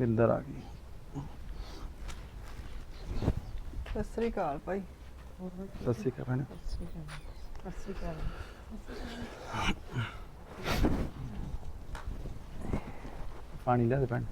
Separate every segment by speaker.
Speaker 1: ਬਿੰਦਰ ਆ ਗਈ।
Speaker 2: ਸਤਿ ਸ੍ਰੀ ਅਕਾਲ ਭਾਈ।
Speaker 1: ਸਤਿ ਸ਼੍ਰੀ ਅਕਾਲ ਭੈਣ।
Speaker 2: ਸਤਿ ਸ੍ਰੀ ਅਕਾਲ।
Speaker 1: ਪਾਣੀ ਲਿਆ ਦੇ ਭੈਣ।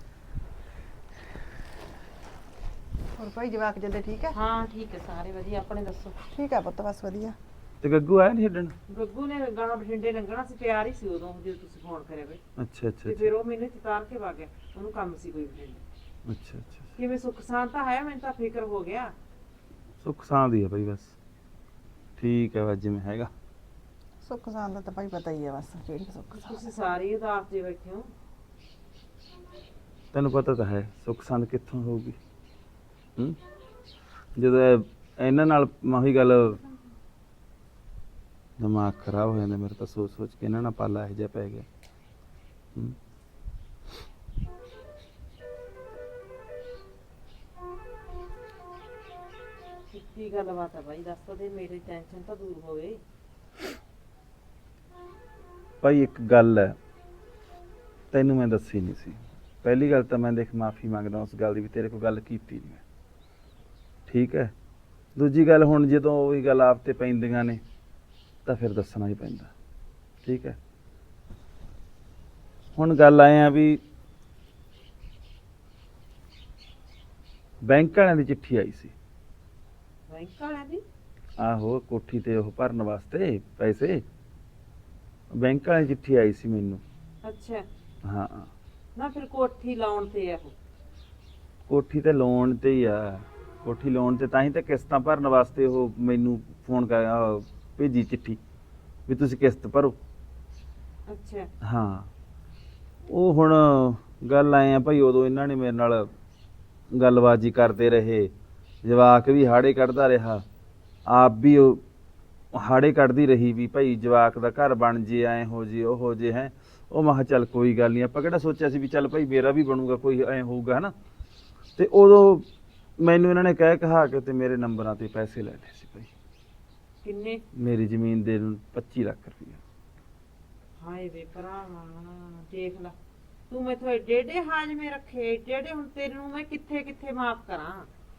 Speaker 2: ਹੋਰ ਭਾਈ ਜਵਾਕ ਜੱਦੇ ਠੀਕ ਹੈ?
Speaker 3: ਹਾਂ ਠੀਕ ਹੈ ਸਾਰੇ ਵਧੀਆ। ਆਪਣੇ ਦੱਸੋ?
Speaker 2: ਠੀਕ ਹੈ ਪੁੱਤ, ਬਸ ਵਧੀਆ।
Speaker 1: ਤੇ ਗੱਗੂ ਆਇਆ ਨਹੀਂ ਛੱਡਣ?
Speaker 3: ਗੱਗੂ ਨੇ ਗਾਣਾ ਬਠਿੰਡੇ ਲੰਘਣਾ ਸੀ, ਤਿਆਰ ਹੀ ਸੀ ਉਦੋਂ ਜਦੋਂ ਤੁਸੀਂ ਫੋਨ ਕਰਿਆ ਬਈ।
Speaker 1: ਅੱਛਾ ਅੱਛਾ
Speaker 3: ਤੇ ਫਿਰ ਉਹ ਮੈਨੂੰ ਚਤਾਰ ਕੇ ਵਗ ਗਿਆ, ਉਹਨੂੰ ਕੰਮ ਸੀ ਕੋਈ ਬਠਿੰਡੇ।
Speaker 1: ਅੱਛਾ ਅੱਛਾ।
Speaker 3: ਕਿਵੇਂ ਸੁੱਖ ਸ਼ਾਂਤ ਤਾਂ ਹੈ, ਮੈਨੂੰ ਤਾਂ ਫਿਕਰ ਹੋ ਗਿਆ।
Speaker 1: ਸੁੱਖ ਸਾਂਦ ਹੀ ਆ ਭਾਈ, ਬਸ ਠੀਕ ਹੈ, ਬਸ ਜਿਵੇਂ ਹੈਗਾ।
Speaker 2: ਸੁੱਖ ਸਾਂਦ ਦਾ ਤਾਂ ਭਾਈ ਪਤਾ ਹੀ ਹੈ, ਬਸ ਕਿਹੜੀ ਸੁੱਖ ਸਾਂਦ।
Speaker 3: ਤੁਸੀਂ ਸਾਰੇ ਉਦਾਸ ਜੇ ਬੈਠੇ ਹੋ।
Speaker 1: ਤੈਨੂੰ ਪਤਾ ਤਾਂ ਹੈ ਸੁੱਖ ਸਾਂਦ ਕਿੱਥੋਂ ਹੋਊਗੀ। ਜਦੋਂ ਇਹਨਾਂ ਨਾਲ ਮਾਹੀ ਗੱਲ, ਦਿਮਾਗ ਖਰਾਬ ਹੋ ਜਾਂਦਾ ਮੇਰਾ ਤਾਂ ਸੋਚ ਸੋਚ ਕੇ। ਇਹਨਾਂ ਨਾਲ ਪਾਲਾ ਇਹੋ ਜਿਹਾ ਪੈ ਗਿਆ।
Speaker 3: ਕੀ ਗੱਲਬਾਤ ਹੈ ਬਾਈ, ਦੱਸ ਤਾਂ ਦੇ, ਮੇਰੀ ਟੈਨਸ਼ਨ ਤਾਂ ਦੂਰ ਹੋਵੇ।
Speaker 1: ਭਾਈ ਇੱਕ ਗੱਲ ਹੈ, ਤੈਨੂੰ ਮੈਂ ਦੱਸੀ ਨਹੀਂ ਸੀ। ਪਹਿਲੀ ਗੱਲ ਤਾਂ ਮੈਂ ਦੇਖ ਮਾਫੀ ਮੰਗਦਾ ਉਸ ਗੱਲ ਦੀ ਵੀ ਤੇਰੇ ਕੋਲ ਗੱਲ ਕੀਤੀ ਨਹੀਂ ਮੈਂ, ਠੀਕ ਹੈ। ਦੂਜੀ ਗੱਲ, ਹੁਣ ਜਦੋਂ ਉਹੀ ਗੱਲ ਆਪ ਤੇ ਪੈਂਦੀਆਂ ਨੇ ਤਾਂ ਫਿਰ ਦੱਸਣਾ ਹੀ ਪੈਂਦਾ, ਠੀਕ ਹੈ। ਹੁਣ ਗੱਲ ਆਏ ਆ ਵੀ ਬੈਂਕ ਵਾਲਿਆਂ ਦੀ ਚਿੱਠੀ ਆਈ ਸੀ।
Speaker 3: ਬੈਂਕ ਵਾਲਿਆਂ ਦੀ?
Speaker 1: ਆਹੋ, ਕੋਠੀ ਤੇ ਉਹ ਭਰਨ ਵਾਸਤੇ ਪੈਸੇ, ਬੈਂਕ ਵਾਲਿਆਂ ਦੀ ਚਿੱਠੀ ਆਈ ਸੀ ਮੈਨੂੰ।
Speaker 3: ਅੱਛਾ।
Speaker 1: ਹਾਂ
Speaker 3: ਨਾ ਫਿਰ ਕੋਠੀ ਲਾਉਣ ਤੇ ਆ ਉਹ?
Speaker 1: ਕੋਠੀ ਤੇ ਲੋਨ ਤੇ ਹੀ ਆ। ਕੋਠੀ ਲੋਨ ਤੇ ਤਾਂ ਹੀ ਤਾਂ ਕਿਸ਼ਤਾਂ ਭਰਨ ਵਾਸਤੇ ਉਹ ਮੈਨੂੰ ਫੋਨ ਕਰ ਭੇਜੀ ਚਿੱਠੀ ਵੀ ਤੁਸੀਂ ਕਿਸ਼ਤ ਭਰੋ।
Speaker 3: ਅੱਛਾ।
Speaker 1: ਹਾਂ, ਉਹ ਹੁਣ ਗੱਲ ਆਏ ਆ ਭਾਈ, ਉਦੋਂ ਇਹਨਾਂ ਨੇ ਮੇਰੇ ਨਾਲ ਗੱਲਬਾਜੀ ਕਰਦੇ ਰਹੇ। ਜਵਾਕ ਵੀ ਹਾੜੇ ਕੱਢਦਾ ਰਿਹਾ, ਆਪ ਵੀ ਉਹ ਹਾੜੇ ਕੱਢਦੀ ਰਹੀ ਵੀ ਭਾਈ ਜਵਾਕ ਦਾ ਘਰ ਬਣ ਜੇ, ਐਂ ਹੋ ਜੇ, ਉਹ ਹੋ ਜੇ ਹੈ। ਉਹ ਮੈਂ ਕਿਹਾ ਚੱਲ ਕੋਈ ਗੱਲ ਨਹੀਂ, ਆਪਾਂ ਕਿਹੜਾ ਸੋਚਿਆ ਸੀ ਵੀ ਚੱਲ ਭਾਈ ਮੇਰਾ ਵੀ ਬਣੂਗਾ, ਕੋਈ ਐਂ ਹੋਊਗਾ ਹੈ ਨਾ। ਤੇ ਉਦੋਂ ਮੈਨੂੰ ਇਹਨਾਂ ਨੇ ਕਹਿ ਕਹਾ ਕੇ ਤੇ ਮੇਰੇ ਨੰਬਰਾਂ ਤੇ ਪੈਸੇ ਲੈ ਲਏ ਸੀ ਭਾਈ।
Speaker 3: ਕਿੰਨੇ?
Speaker 1: ਮੇਰੀ ਜ਼ਮੀਨ ਦੇ 25 ਲੱਖ ਰੁਪਇਆ।
Speaker 3: ਹਾਏ ਵੇ ਭਰਾਵਾ, ਦੇਖ ਲਾ ਤੂੰ ਮੈਥੋਂ ਏਡੇ ਏਡੇ ਹਾਜ਼ਮੇ ਰੱਖੇ, ਏਡੇ ਏਡੇ। ਹੁਣ ਤੈਨੂੰ ਮੈਂ ਕਿੱਥੇ ਕਿੱਥੇ ਮਾਫ ਕਰਾਂ?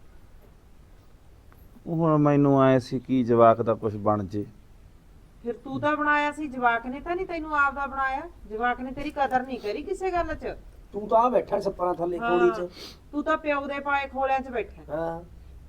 Speaker 1: ਹੁਣ ਮੈਨੂੰ ਆਏ ਸੀ ਕੀ ਜਵਾਕ ਦਾ ਕੁਝ ਬਣ ਜੇ।
Speaker 3: ਫਿਰ ਤੂੰ ਤਾਂ ਬਣਾਇਆ ਸੀ, ਜਵਾਕ ਨੇ ਤਾਂ ਨਹੀਂ ਤੈਨੂੰ ਆਪ ਦਾ ਬਣਾਇਆ। ਜਵਾਕ ਨੇ ਤੇਰੀ ਕਦਰ ਨਹੀਂ ਕਰੀ ਕਿਸੇ ਗੱਲ 'ਚ।
Speaker 4: ਤੂੰ ਤਾਂ ਬੈਠਾ ਛੱਪਰਾਂ ਥੱਲੇ ਕੋਲੀ ਚ।
Speaker 3: ਤੂੰ ਤਾਂ ਪਿਓ ਦੇ ਪਾਏ ਖੋਲਿਆਂ 'ਚ ਬੈਠਾ।
Speaker 4: ਹਾਂ,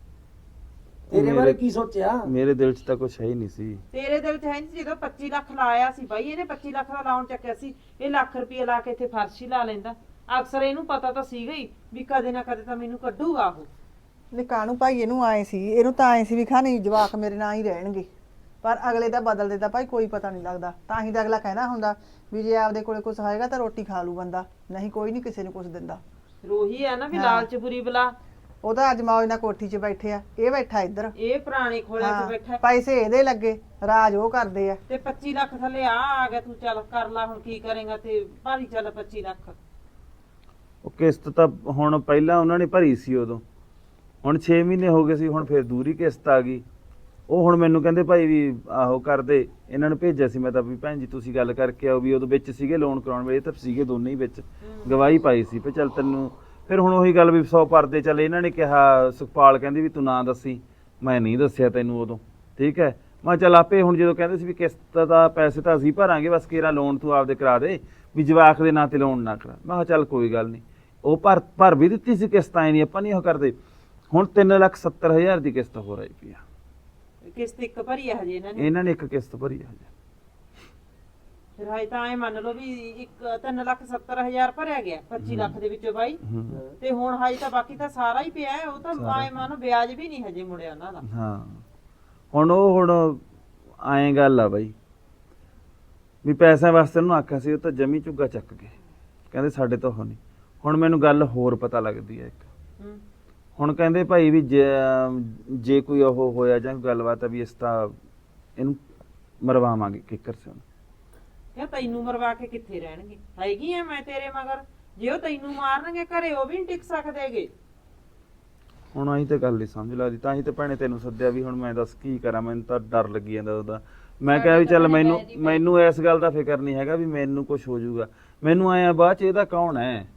Speaker 4: ਤੇਰੇ ਬਾਰੇ ਕੀ ਸੋਚਿਆ?
Speaker 1: ਮੇਰੇ ਦਿਲ 'ਚ ਤਾਂ ਕੁਝ ਹੈ ਹੀ ਨਹੀਂ ਸੀ।
Speaker 3: ਤੇਰੇ ਦਿਲ 'ਚ ਹੈ ਨਹੀਂ। ਜਦੋਂ 25 ਲੱਖ ਲਾਇਆ ਸੀ ਬਾਈ, ਇਹਨੇ 25 ਲੱਖ ਦਾ ਲਾਉਣ ਚੱਕਿਆ ਸੀ। ਇਹ ਲੱਖ ਰੁਪਏ ਲਾ ਕੇ ਇੱਥੇ ਫਰਸ਼ ਹੀ ਲਾ ਲੈਂਦਾ। ਅਕਸਰ ਇਹਨੂੰ ਪਤਾ ਤਾਂ ਸੀਗਾ ਹੀ ਵੀ ਕਦੇ ਨਾ ਕਦੇ ਤਾਂ ਮੈਨੂੰ ਕੱਢੂਗਾ ਉਹ।
Speaker 2: ਨਿਕਾਣੂ ਭਾਈ ਇਹਨੂੰ ਆਏ ਸੀ, ਇਹਨੂੰ ਤਾਂ ਆਏ ਸੀ ਵੀ ਖਾਣੀ ਜਵਾਕ ਮੇਰੇ ਨਾਲ ਹੀ ਰਹਿਣਗੇ, ਪਰ ਅਗਲੇ ਦਾ ਬਦਲਦੇ ਤਾਂ ਭਾਈ ਕੋਈ ਪਤਾ ਨਹੀਂ ਲੱਗਦਾ। ਤਾਂ ਹੀ ਤਾਂ ਅਗਲਾ ਕਹਿੰਦਾ ਹੁੰਦਾ ਵੀ ਜੇ ਆਪਦੇ ਕੋਲੇ ਕੁਝ ਹੋਏਗਾ ਤਾਂ ਰੋਟੀ ਖਾ ਲੂ ਬੰਦਾ, ਨਹੀਂ ਕੋਈ ਨਹੀਂ ਕਿਸੇ ਨੂੰ ਕੁਝ ਦਿੰਦਾ।
Speaker 3: ਰੋਹੀ ਆ ਨਾ ਵੀ
Speaker 2: ਹਾਂ।
Speaker 3: ਲਾਲਚ ਬੁਰੀ ਬਲਾ।
Speaker 2: ਉਹ ਤਾਂ ਅੱਜ ਮੌਜ ਨਾਲ ਕੋਠੀ 'ਚ ਬੈਠੇ ਆ, ਇਹ ਬੈਠਾ ਇੱਧਰ।
Speaker 3: ਇਹ ਪੁਰਾਣੇ ਖੋਲਿਆਂ 'ਚ
Speaker 2: ਹਾਂ,
Speaker 3: ਬੈਠਾ
Speaker 2: ਪੈਸੇ ਇਹਦੇ ਲੱਗੇ, ਰਾਜ ਉਹ ਕਰਦੇ ਆ।
Speaker 3: ਤੇ 25 ਲੱਖ ਥੱਲੇ ਆ ਗਿਆ। ਤੂੰ ਚੱਲ ਕਰ ਲਾ ਹੁਣ, ਕੀ ਕਰੇਗਾ ਤੇ ਭਾਰੀ ਚੱਲ 25 ਲੱਖ।
Speaker 1: ਉਹ ਕਿਸ਼ਤ ਤਾਂ ਹੁਣ ਪਹਿਲਾਂ ਉਹਨਾਂ ਨੇ ਭਰੀ ਸੀ ਉਦੋਂ, ਹੁਣ 6 ਮਹੀਨੇ ਹੋ ਗਏ ਸੀ, ਹੁਣ ਫਿਰ ਦੂਰੀ ਕਿਸ਼ਤ ਆ ਗਈ। ਉਹ ਹੁਣ ਮੈਨੂੰ ਕਹਿੰਦੇ ਭਾਈ ਵੀ ਆਹੋ ਕਰਦੇ। ਇਹਨਾਂ ਨੂੰ ਭੇਜਿਆ ਸੀ ਮੈਂ ਤਾਂ ਵੀ ਭੈਣ ਜੀ ਤੁਸੀਂ ਗੱਲ ਕਰਕੇ ਆਓ, ਵੀ ਉਦੋਂ ਵਿੱਚ ਸੀਗੇ ਲੋਨ ਕਰਾਉਣ ਵੇਲੇ ਤਾਂ ਸੀਗੇ ਦੋਨੇ ਹੀ ਵਿੱਚ, ਗਵਾਹੀ ਪਾਈ ਸੀ ਵੀ ਚੱਲ ਤੈਨੂੰ। ਫਿਰ ਹੁਣ ਉਹੀ ਗੱਲ ਵੀ 100 ਪਰਦੇ ਚੱਲ। ਇਹਨਾਂ ਨੇ ਕਿਹਾ, ਸੁਖਪਾਲ ਕਹਿੰਦੀ ਵੀ ਤੂੰ ਨਾ ਦੱਸੀ, ਮੈਂ ਨਹੀਂ ਦੱਸਿਆ ਤੈਨੂੰ ਉਦੋਂ, ਠੀਕ ਹੈ। ਮੈਂ ਚੱਲ ਆਪੇ ਹੁਣ ਜਦੋਂ ਕਹਿੰਦੇ ਸੀ ਵੀ ਕਿਸ਼ਤ ਦਾ ਪੈਸੇ ਤਾਂ ਅਸੀਂ ਭਰਾਂਗੇ, ਬਸ ਕਿਹੜਾ ਲੋਨ ਤੂੰ ਆਪਦੇ ਕਰਾ ਦੇ, ਵੀ ਜਵਾਕ ਦੇ ਨਾਂ ਤੇ ਲੋਨ ਨਾ ਕਰਾ। ਮੈਂ ਕਿਹਾ ਚੱਲ ਕੋਈ ਗੱਲ ਨਹੀਂ। ਉਹ ਭਰ ਵੀ ਦਿੱਤੀ ਸੀ ਕਿਸ਼ਤ, ਆਏ ਨਹੀਂ ਆਪਾਂ ਨਹੀਂ ਉਹ ਕਰਦੇ। ਹੁਣ 3,70,000 ਦੀ ਕਿਸ਼ਤ ਹੋ ਰਹੀ ਪਈ ਆ।
Speaker 3: ਕਿਸ਼ਤ ਇੱਕ ਭਰੀ ਆ ਹਜੇ ਇਹਨਾਂ ਨੇ?
Speaker 1: ਇਹਨਾਂ ਨੇ ਇੱਕ ਕਿਸ਼ਤ ਭਰੀ ਆ ਹਜੇ।
Speaker 3: ਫਿਰ ਹਾਈ ਤਾਂ ਐ ਮੰਨ ਲਓ ਵੀ ਇੱਕ 3,70,000 ਭਰਿਆ ਗਿਆ 25 ਲੱਖ ਦੇ ਵਿੱਚੋਂ ਬਾਈ। ਤੇ ਹੁਣ ਹਾਈ ਤਾਂ ਬਾਕੀ ਤਾਂ ਸਾਰਾ ਹੀ ਪਿਆ ਹੈ। ਉਹ ਤਾਂ ਐ ਮੰਨ ਵਿਆਜ ਵੀ ਨਹੀਂ ਹਜੇ ਮੁੜਿਆ ਉਹਨਾਂ ਦਾ।
Speaker 1: ਹਾਂ, ਹੁਣ ਐਂ ਗੱਲ ਆ ਬਾਈ ਵੀ ਪੈਸਿਆਂ ਵਾਸਤੇ ਉਹਨੂੰ ਆਖਿਆ ਸੀ, ਉਹ ਤਾਂ ਜਮੀ ਝੁੱਗਾ ਚੱਕ ਗਏ, ਕਹਿੰਦੇ ਸਾਡੇ ਤੋਂ ਹੋ ਨਹੀਂ। ਹੁਣ ਮੈਨੂੰ ਗੱਲ ਹੋਰ ਪਤਾ ਲੱਗਦੀ ਹੈ ਇੱਕ। ਹੁਣ ਕਹਿੰਦੇ ਭਾਈ ਵੀ ਜੇ ਕੋਈ ਉਹ ਹੋਇਆ ਜਾਂ ਕੋਈ ਗੱਲਬਾਤ ਆ ਵੀ ਇਸ ਤਾਂ ਇਹਨੂੰ ਮਰਵਾਵਾਂਗੇ ਕਿੱਕਰ ਸੇ।
Speaker 3: ਕਿਆ ਤੈਨੂੰ ਮਰਵਾ ਕੇ ਕਿੱਥੇ ਰਹਿਣਗੇ? ਹੈਗੀ ਆ ਮੈਂ ਤੇਰੇ ਮਗਰ। ਜੇ ਉਹ ਤੈਨੂੰ ਮਾਰਨਗੇ ਘਰੇ, ਉਹ ਵੀ ਨਹੀਂ ਟਿਕ ਸਕਦੇਗੇ।
Speaker 1: ਹੁਣ ਆਹੀ ਤਾਂ ਗੱਲ ਨਹੀਂ ਸਮਝ ਲੱਗਦੀ। ਤਾਂ ਹੀ ਤਾਂ ਭੈਣੇ ਤੈਨੂੰ ਸੱਦਿਆ ਵੀ ਹੁਣ ਮੈਂ ਦੱਸ ਕੀ ਕਰਾਂ। ਮੈਨੂੰ ਤਾਂ ਡਰ ਲੱਗੀ ਜਾਂਦਾ ਉਹਦਾ। ਮੈਂ ਕਿਹਾ ਵੀ ਚੱਲ ਮੈਨੂੰ ਇਸ ਗੱਲ ਦਾ ਫਿਕਰ ਨਹੀਂ ਹੈਗਾ ਵੀ ਮੈਨੂੰ ਕੁਝ ਹੋ ਜਾਊਗਾ। ਮੈਨੂੰ ਆਇਆ ਬਾਅਦ ਚ ਇਹਦਾ ਕੌਣ ਹੈ,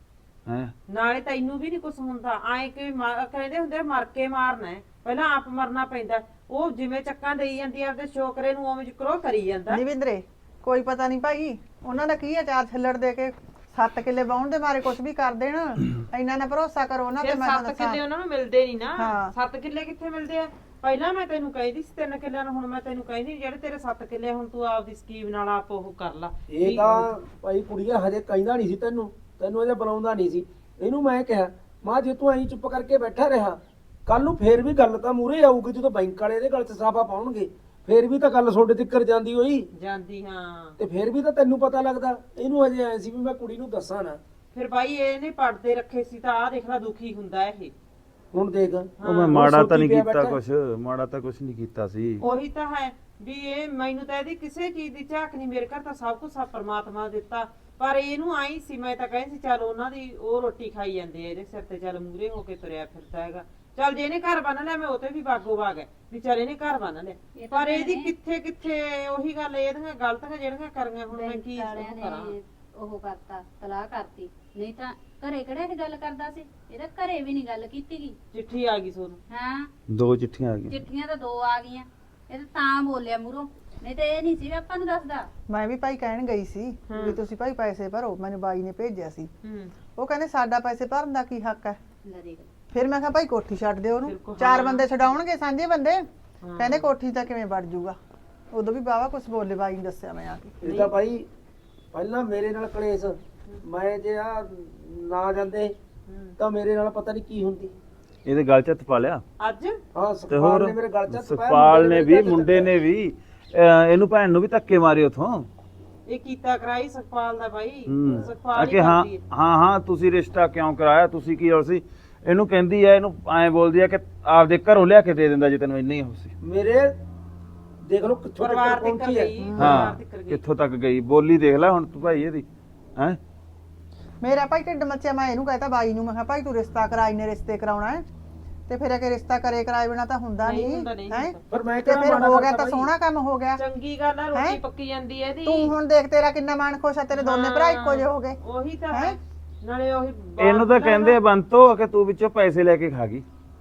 Speaker 1: ਹੈ
Speaker 3: ਨਾਲੇ ਤੈਨੂੰ ਵੀ ਨਹੀਂ ਕੁਝ ਹੁੰਦਾ ਐ ਕਿ ਕਹਿੰਦੇ ਹੁੰਦੇ ਆ, ਮਰ ਕੇ ਮਾਰਨਾ ਹੈ, ਪਹਿਲਾਂ ਆਪ ਮਰਨਾ ਪੈਂਦਾ। ਉਹ ਜਿਵੇਂ ਚੱਕਾਂ ਦੇਈ ਜਾਂਦੀ ਆ ਆਪਦੇ ਛੋਕਰੇ ਨੂੰ ਉਵੇਂ ਜਿਕਰੋ ਕਰੀ ਜਾਂਦਾ।
Speaker 2: ਨਿਵਿੰਦਰੇ ਕੋਈ ਪਤਾ ਨਹੀਂ ਭਾਈ ਉਹਨਾਂ ਦਾ ਕੀ ਆ, 4 ਛੱਲੜ ਦੇ ਕੇ 7 ਕਿੱਲੇ ਵਾਹੁਣ ਦੇ ਮਾਰੇ ਕੁਝ ਵੀ ਕਰ ਦੇਣ। ਇੰਨਾ ਨਾ ਭਰੋਸਾ ਕਰੋ ਉਹਨਾਂ ਤੇ।
Speaker 3: ਫਿਰ
Speaker 2: ਮੈਂ
Speaker 3: 7
Speaker 2: ਤੁਹਾਨੂੰ
Speaker 3: ਕਿੱਲੇ ਉਹਨਾਂ ਨੂੰ ਮਿਲਦੇ ਨਹੀਂ ਨਾ।
Speaker 2: ਹਾਂ।
Speaker 3: 7 ਕਿੱਲੇ ਕਿੱਥੇ ਮਿਲਦੇ ਆ? ਪਹਿਲਾਂ ਮੈਂ ਤੈਨੂੰ ਕਹਿੰਦੀ ਸੀ 3 ਕਿੱਲਿਆਂ ਨੂੰ, ਹੁਣ ਮੈਂ ਤੈਨੂੰ ਕਹਿੰਦੀ ਜਿਹੜੇ ਤੇਰੇ 7 ਕਿੱਲੇ ਹੁਣ ਤੂੰ ਆਪਦੀ ਸਕੀਮ ਨਾਲ ਆਪ ਉਹ ਕਰ ਲਾ।
Speaker 4: ਇਹ ਤਾਂ ਭਾਈ ਕੁੜੀਏ ਹਜੇ ਕਹਿੰਦਾ ਨਹੀਂ ਸੀ ਤੈਨੂੰ ਹਜੇ ਬੁਲਾਉਂਦਾ ਨਹੀਂ ਸੀ। ਇਹਨੂੰ ਮੈਂ ਕਿਹਾ ਮਾਂ ਜੇ ਤੂੰ ਐਂ ਚੁੱਪ ਕਰਕੇ ਬੈਠਾ ਰਿਹਾ, ਕੱਲ ਨੂੰ ਫੇਰ ਵੀ ਗੱਲ ਤਾਂ ਮੂਹਰੇ ਆਊਗੀ ਜਦੋਂ ਬੈਂਕ ਵਾਲੇ ਇਹਦੇ ਗਲ 'ਚ ਸਾਫਾ ਪਾਉਣਗੇ, ਫੇਰ ਵੀ ਤਾਂ ਗੱਲ ਤੁਹਾਡੇ ਤੱਕ ਜਾਂਦੀ ਹੋਈ
Speaker 3: ਜਾਂਦੀ। ਹਾਂ
Speaker 4: ਤੇ ਫੇਰ ਵੀ ਤਾਂ ਤੈਨੂੰ ਪਤਾ ਲੱਗਦਾ। ਇਹਨੂੰ ਹਜੇ ਐ ਸੀ ਵੀ ਮੈਂ ਕੁੜੀ ਨੂੰ ਦੱਸਾਂ ਨਾ।
Speaker 3: ਫਿਰ ਬਾਈ ਇਹਨੇ ਪੜਦੇ ਰੱਖੇ ਸੀ ਤਾਂ ਆਹ ਦੇਖ ਲੈ ਦੁਖੀ ਹੁੰਦਾ ਇਹ।
Speaker 4: ਹੁਣ ਦੇਖ
Speaker 1: ਉਹ ਮੈਂ ਮਾੜਾ ਤਾਂ ਨਹੀਂ ਕੀਤਾ ਕੁਛ, ਮਾੜਾ ਤਾਂ ਕੁਛ ਨਹੀਂ ਕੀਤਾ ਸੀ।
Speaker 3: ਉਹੀ ਤਾਂ ਹੈ ਵੀ ਇਹ ਮੈਨੂੰ ਤਾਂ ਇਹਦੀ ਕਿਸੇ ਚੀਜ਼ ਦੀ ਝਾਕ ਨਹੀਂ। ਮੇਰੇ ਘਰ ਤਾਂ ਸਭ ਕੁਝ ਆ ਪਰਮਾਤਮਾ ਦਿੱਤਾ, ਪਰ ਇਹਨੂੰ ਆਈ ਸੀ। ਮੈਂ ਤਾਂ ਕਹਿੰਦੀ ਸੀ ਚੱਲ ਉਹਨਾਂ ਦੀ ਉਹ ਰੋਟੀ ਖਾਈ ਜਾਂਦੇ ਆ, ਇਹਦੇ ਸਿਰ ਤੇ ਚੱਲ ਮੂਰੇ ਹੋ ਕੇ ਤੁਰਿਆ ਫਿਰਦਾ ਹੈਗਾ। ਚੱਲ ਜੇ ਇਹਨੇ ਘਰ ਬੰਨ ਲਿਆ ਮੈਂ ਉਹ ਤੇ ਵੀ ਬਾਗੋ ਬਾਗ ਹੈ ਵੀ ਚੱਲ ਇਹਨੇ ਘਰ ਬੰਨ ਲਿਆ। ਪਰ ਇਹਦੀ ਕਿੱਥੇ ਕਿੱਥੇ ਉਹੀ ਗੱਲ, ਇਹਦੀਆਂ ਗਲਤੀਆਂ ਜਿਹੜੀਆਂ ਕਰੀਆਂ ਹੁਣ ਮੈਂ ਕੀ ਕਰਾਂ।
Speaker 5: ਉਹ ਕਰਤਾ ਤਲਾਕ ਕਰਤੀ, ਨਹੀਂ ਤਾਂ ਘਰੇ ਕਿਹੜਾ ਇਹ ਗੱਲ ਕਰਦਾ ਸੀ? ਇਹਦਾ ਘਰੇ ਵੀ ਨਹੀਂ ਗੱਲ ਕੀਤੀ ਗਈ।
Speaker 3: ਚਿੱਠੀ ਆ ਗਈ ਸੋਨੂੰ।
Speaker 5: ਹਾਂ
Speaker 1: 2 ਚਿੱਠੀਆਂ ਆ ਗਈਆਂ।
Speaker 5: ਚਿੱਠੀਆਂ ਤਾਂ 2 ਆ ਗਈਆਂ, ਇਹ ਤਾਂ ਬੋਲਿਆ ਮੂਰੋਂ, ਨਹੀਂ ਤੇ ਇਹ ਨਹੀਂ ਸੀ ਆਪਾਂ ਨੂੰ ਦੱਸਦਾ।
Speaker 2: ਮੈਂ ਵੀ ਭਾਈ ਕਹਿਣ ਗਈ ਸੀ ਵੀ ਤੁਸੀਂ ਭਾਈ ਪੈਸੇ ਭਰੋ, ਮੈਨੂੰ ਬਾਈ ਨੇ ਭੇਜਿਆ ਸੀ।
Speaker 3: ਹੂੰ
Speaker 2: ਉਹ ਕਹਿੰਦੇ ਸਾਡਾ ਪੈਸੇ ਭਰਨ ਦਾ ਕੀ ਹੱਕ ਹੈ।
Speaker 5: ਲੈ ਦੇਖ
Speaker 2: ਫਿਰ ਮੈਂ ਕਿਹਾ ਭਾਈ ਕੋਠੀ ਛੱਡ ਦਿਓ ਉਹਨੂੰ, 4 ਬੰਦੇ ਛਡਾਉਣਗੇ ਸਾਂਝੇ ਬੰਦੇ। ਕਹਿੰਦੇ ਕੋਠੀ ਤਾਂ ਕਿਵੇਂ ਵੜ ਜੂਗਾ। ਉਦੋਂ ਵੀ ਬਾਵਾ ਕੁਝ ਬੋਲੇ, ਬਾਈ ਨੇ ਦੱਸਿਆ ਮੈਂ ਆ ਕੇ।
Speaker 4: ਇਹ ਤਾਂ ਭਾਈ ਪਹਿਲਾਂ ਮੇਰੇ ਨਾਲ ਕਲੇਸ਼, ਮੈਂ ਜੇ ਆ ਨਾ ਜਾਂਦੇ ਤਾਂ ਮੇਰੇ ਨਾਲ ਪਤਾ ਨਹੀਂ ਕੀ ਹੁੰਦੀ।
Speaker 1: ਇਹਦੇ ਗਲ 'ਚ ਹੱਥ ਪਾ ਲਿਆ।
Speaker 3: ਅੱਜ
Speaker 4: ਹਾਂ
Speaker 1: ਤੇ
Speaker 4: ਸੁਖਪਾਲ
Speaker 1: ਹੋਰ
Speaker 4: ਨੇ ਮੇਰੇ ਗਲ 'ਚ ਹੱਥ ਪਾਇਆ,
Speaker 1: ਸੁਖਪਾਲ ਨੇ ਵੀ,
Speaker 4: ਮੇਰੇ
Speaker 1: ਮੁੰਡੇ ਨੇ ਵੀ, ਇਹਨੂੰ ਭੈਣ ਨੂੰ ਵੀ ਧੱਕੇ ਮਾਰੇ ਉਥੋਂ।
Speaker 3: ਇਹ ਕੀਤਾ ਕਰਾਈ ਸੁਖਪਾਲ ਦਾ ਬਾਈ।
Speaker 1: ਆ
Speaker 3: ਸੁਖਪਾਲ
Speaker 1: ਕਿ
Speaker 3: ਹੀ
Speaker 1: ਹਾਂ
Speaker 3: ਕਰਦੀ ਹੈ।
Speaker 1: ਹਾਂ ਹਾਂ ਤੁਸੀਂ ਰਿਸ਼ਤਾ ਕਿਉਂ ਕਰਾਇਆ, ਤੁਸੀਂ ਕੀ ਹੋ ਸੀ? ਇਹਨੂੰ ਕਹਿੰਦੀ ਐ, ਇਹਨੂੰ ਐਂ ਬੋਲਦੀ ਐ ਕਿ ਆਪਦੇ ਘਰੋਂ ਲਿਆ ਕੇ ਦੇ ਦਿੰਦਾ ਜੇ ਤੈਨੂੰ ਇੰਨਾ ਹੀ ਹੋ ਸੀ।
Speaker 4: ਮੇਰੇ ਦੇਖ ਲਓ ਕਿੱਥੋਂ ਤੱਕ
Speaker 3: ਪਰਿਵਾਰ ਤੱਕ
Speaker 4: ਪਹੁੰਚੀ ਹੈ।
Speaker 3: ਗਈ,
Speaker 1: ਹਾਂ
Speaker 3: ਪਰਿਵਾਰ ਤੱਕ ਗਈ।
Speaker 1: ਕਿੱਥੋਂ ਤੱਕ ਗਈ ਬੋਲੀ, ਦੇਖ ਲੈ ਹੁਣ ਤੂੰ ਭਾਈ ਇਹਦੀ ਹੈ।
Speaker 2: ਮੇਰਾ ਭਾਈ ਢਿੱਡ ਮੱਚਿਆ, ਮੈਂ ਇਹਨੂੰ ਕਹਤਾ ਬਾਈ ਨੂੰ, ਮੈਂ ਕਿਹਾ ਭਾਈ ਤੂੰ ਰਿਸ਼ਤਾ ਕਰਾਈ ਨੇ, ਰਿਸ਼ਤੇ ਕਰਾਉਣਾ ਹੈ ਤੇ ਫਿਰ ਅਗੇ ਰਿਸ਼ਤਾ ਕਰਾਏ ਬਿਨਾ ਤਾਂ ਹੁੰਦਾ
Speaker 3: ਨਹੀਂ
Speaker 2: ਨਹੀਂ
Speaker 3: ਹੁੰਦਾ, ਨਹੀਂ
Speaker 2: ਹੈ।
Speaker 3: ਹੁੰਦਾ।
Speaker 4: ਪਰ ਮੈਂ
Speaker 2: ਤੇ
Speaker 4: ਕਿਹੜਾ
Speaker 2: ਫਿਰ
Speaker 4: ਮਾੜਾ
Speaker 2: ਹੋ ਗਿਆ
Speaker 4: ਕਰਤਾ
Speaker 2: ਤਾਂ
Speaker 4: ਬਾਈ?
Speaker 2: ਸੋਹਣਾ ਕੰਮ ਹੋ ਗਿਆ।
Speaker 3: ਚੰਗੀ ਗੱਲ ਆ, ਰੋਟੀ
Speaker 2: ਹੈਂ?
Speaker 3: ਪੱਕੀ ਜਾਂਦੀ ਹੈ ਇਹਦੀ।
Speaker 2: ਤੂੰ ਹੁਣ ਦੇਖ ਤੇਰਾ ਕਿੰਨਾ ਮਨ ਖੁਸ਼ ਆ, ਤੇਰੇ ਦੋਨੇ ਭਰਾ ਇੱਕੋ ਜਿਹੇ ਹੋ ਗਏ।
Speaker 3: ਉਹੀ ਤਾਂ
Speaker 2: ਹੈਂ?
Speaker 3: ਹੈ ਨਾਲੇ ਉਹੀ
Speaker 1: ਇਹਨੂੰ ਤਾਂ ਕਹਿੰਦੇ ਬੰਤੋ ਕਿ ਤੂੰ ਵਿੱਚੋਂ ਪੈਸੇ ਲੈ ਕੇ ਖਾ ਗਈ।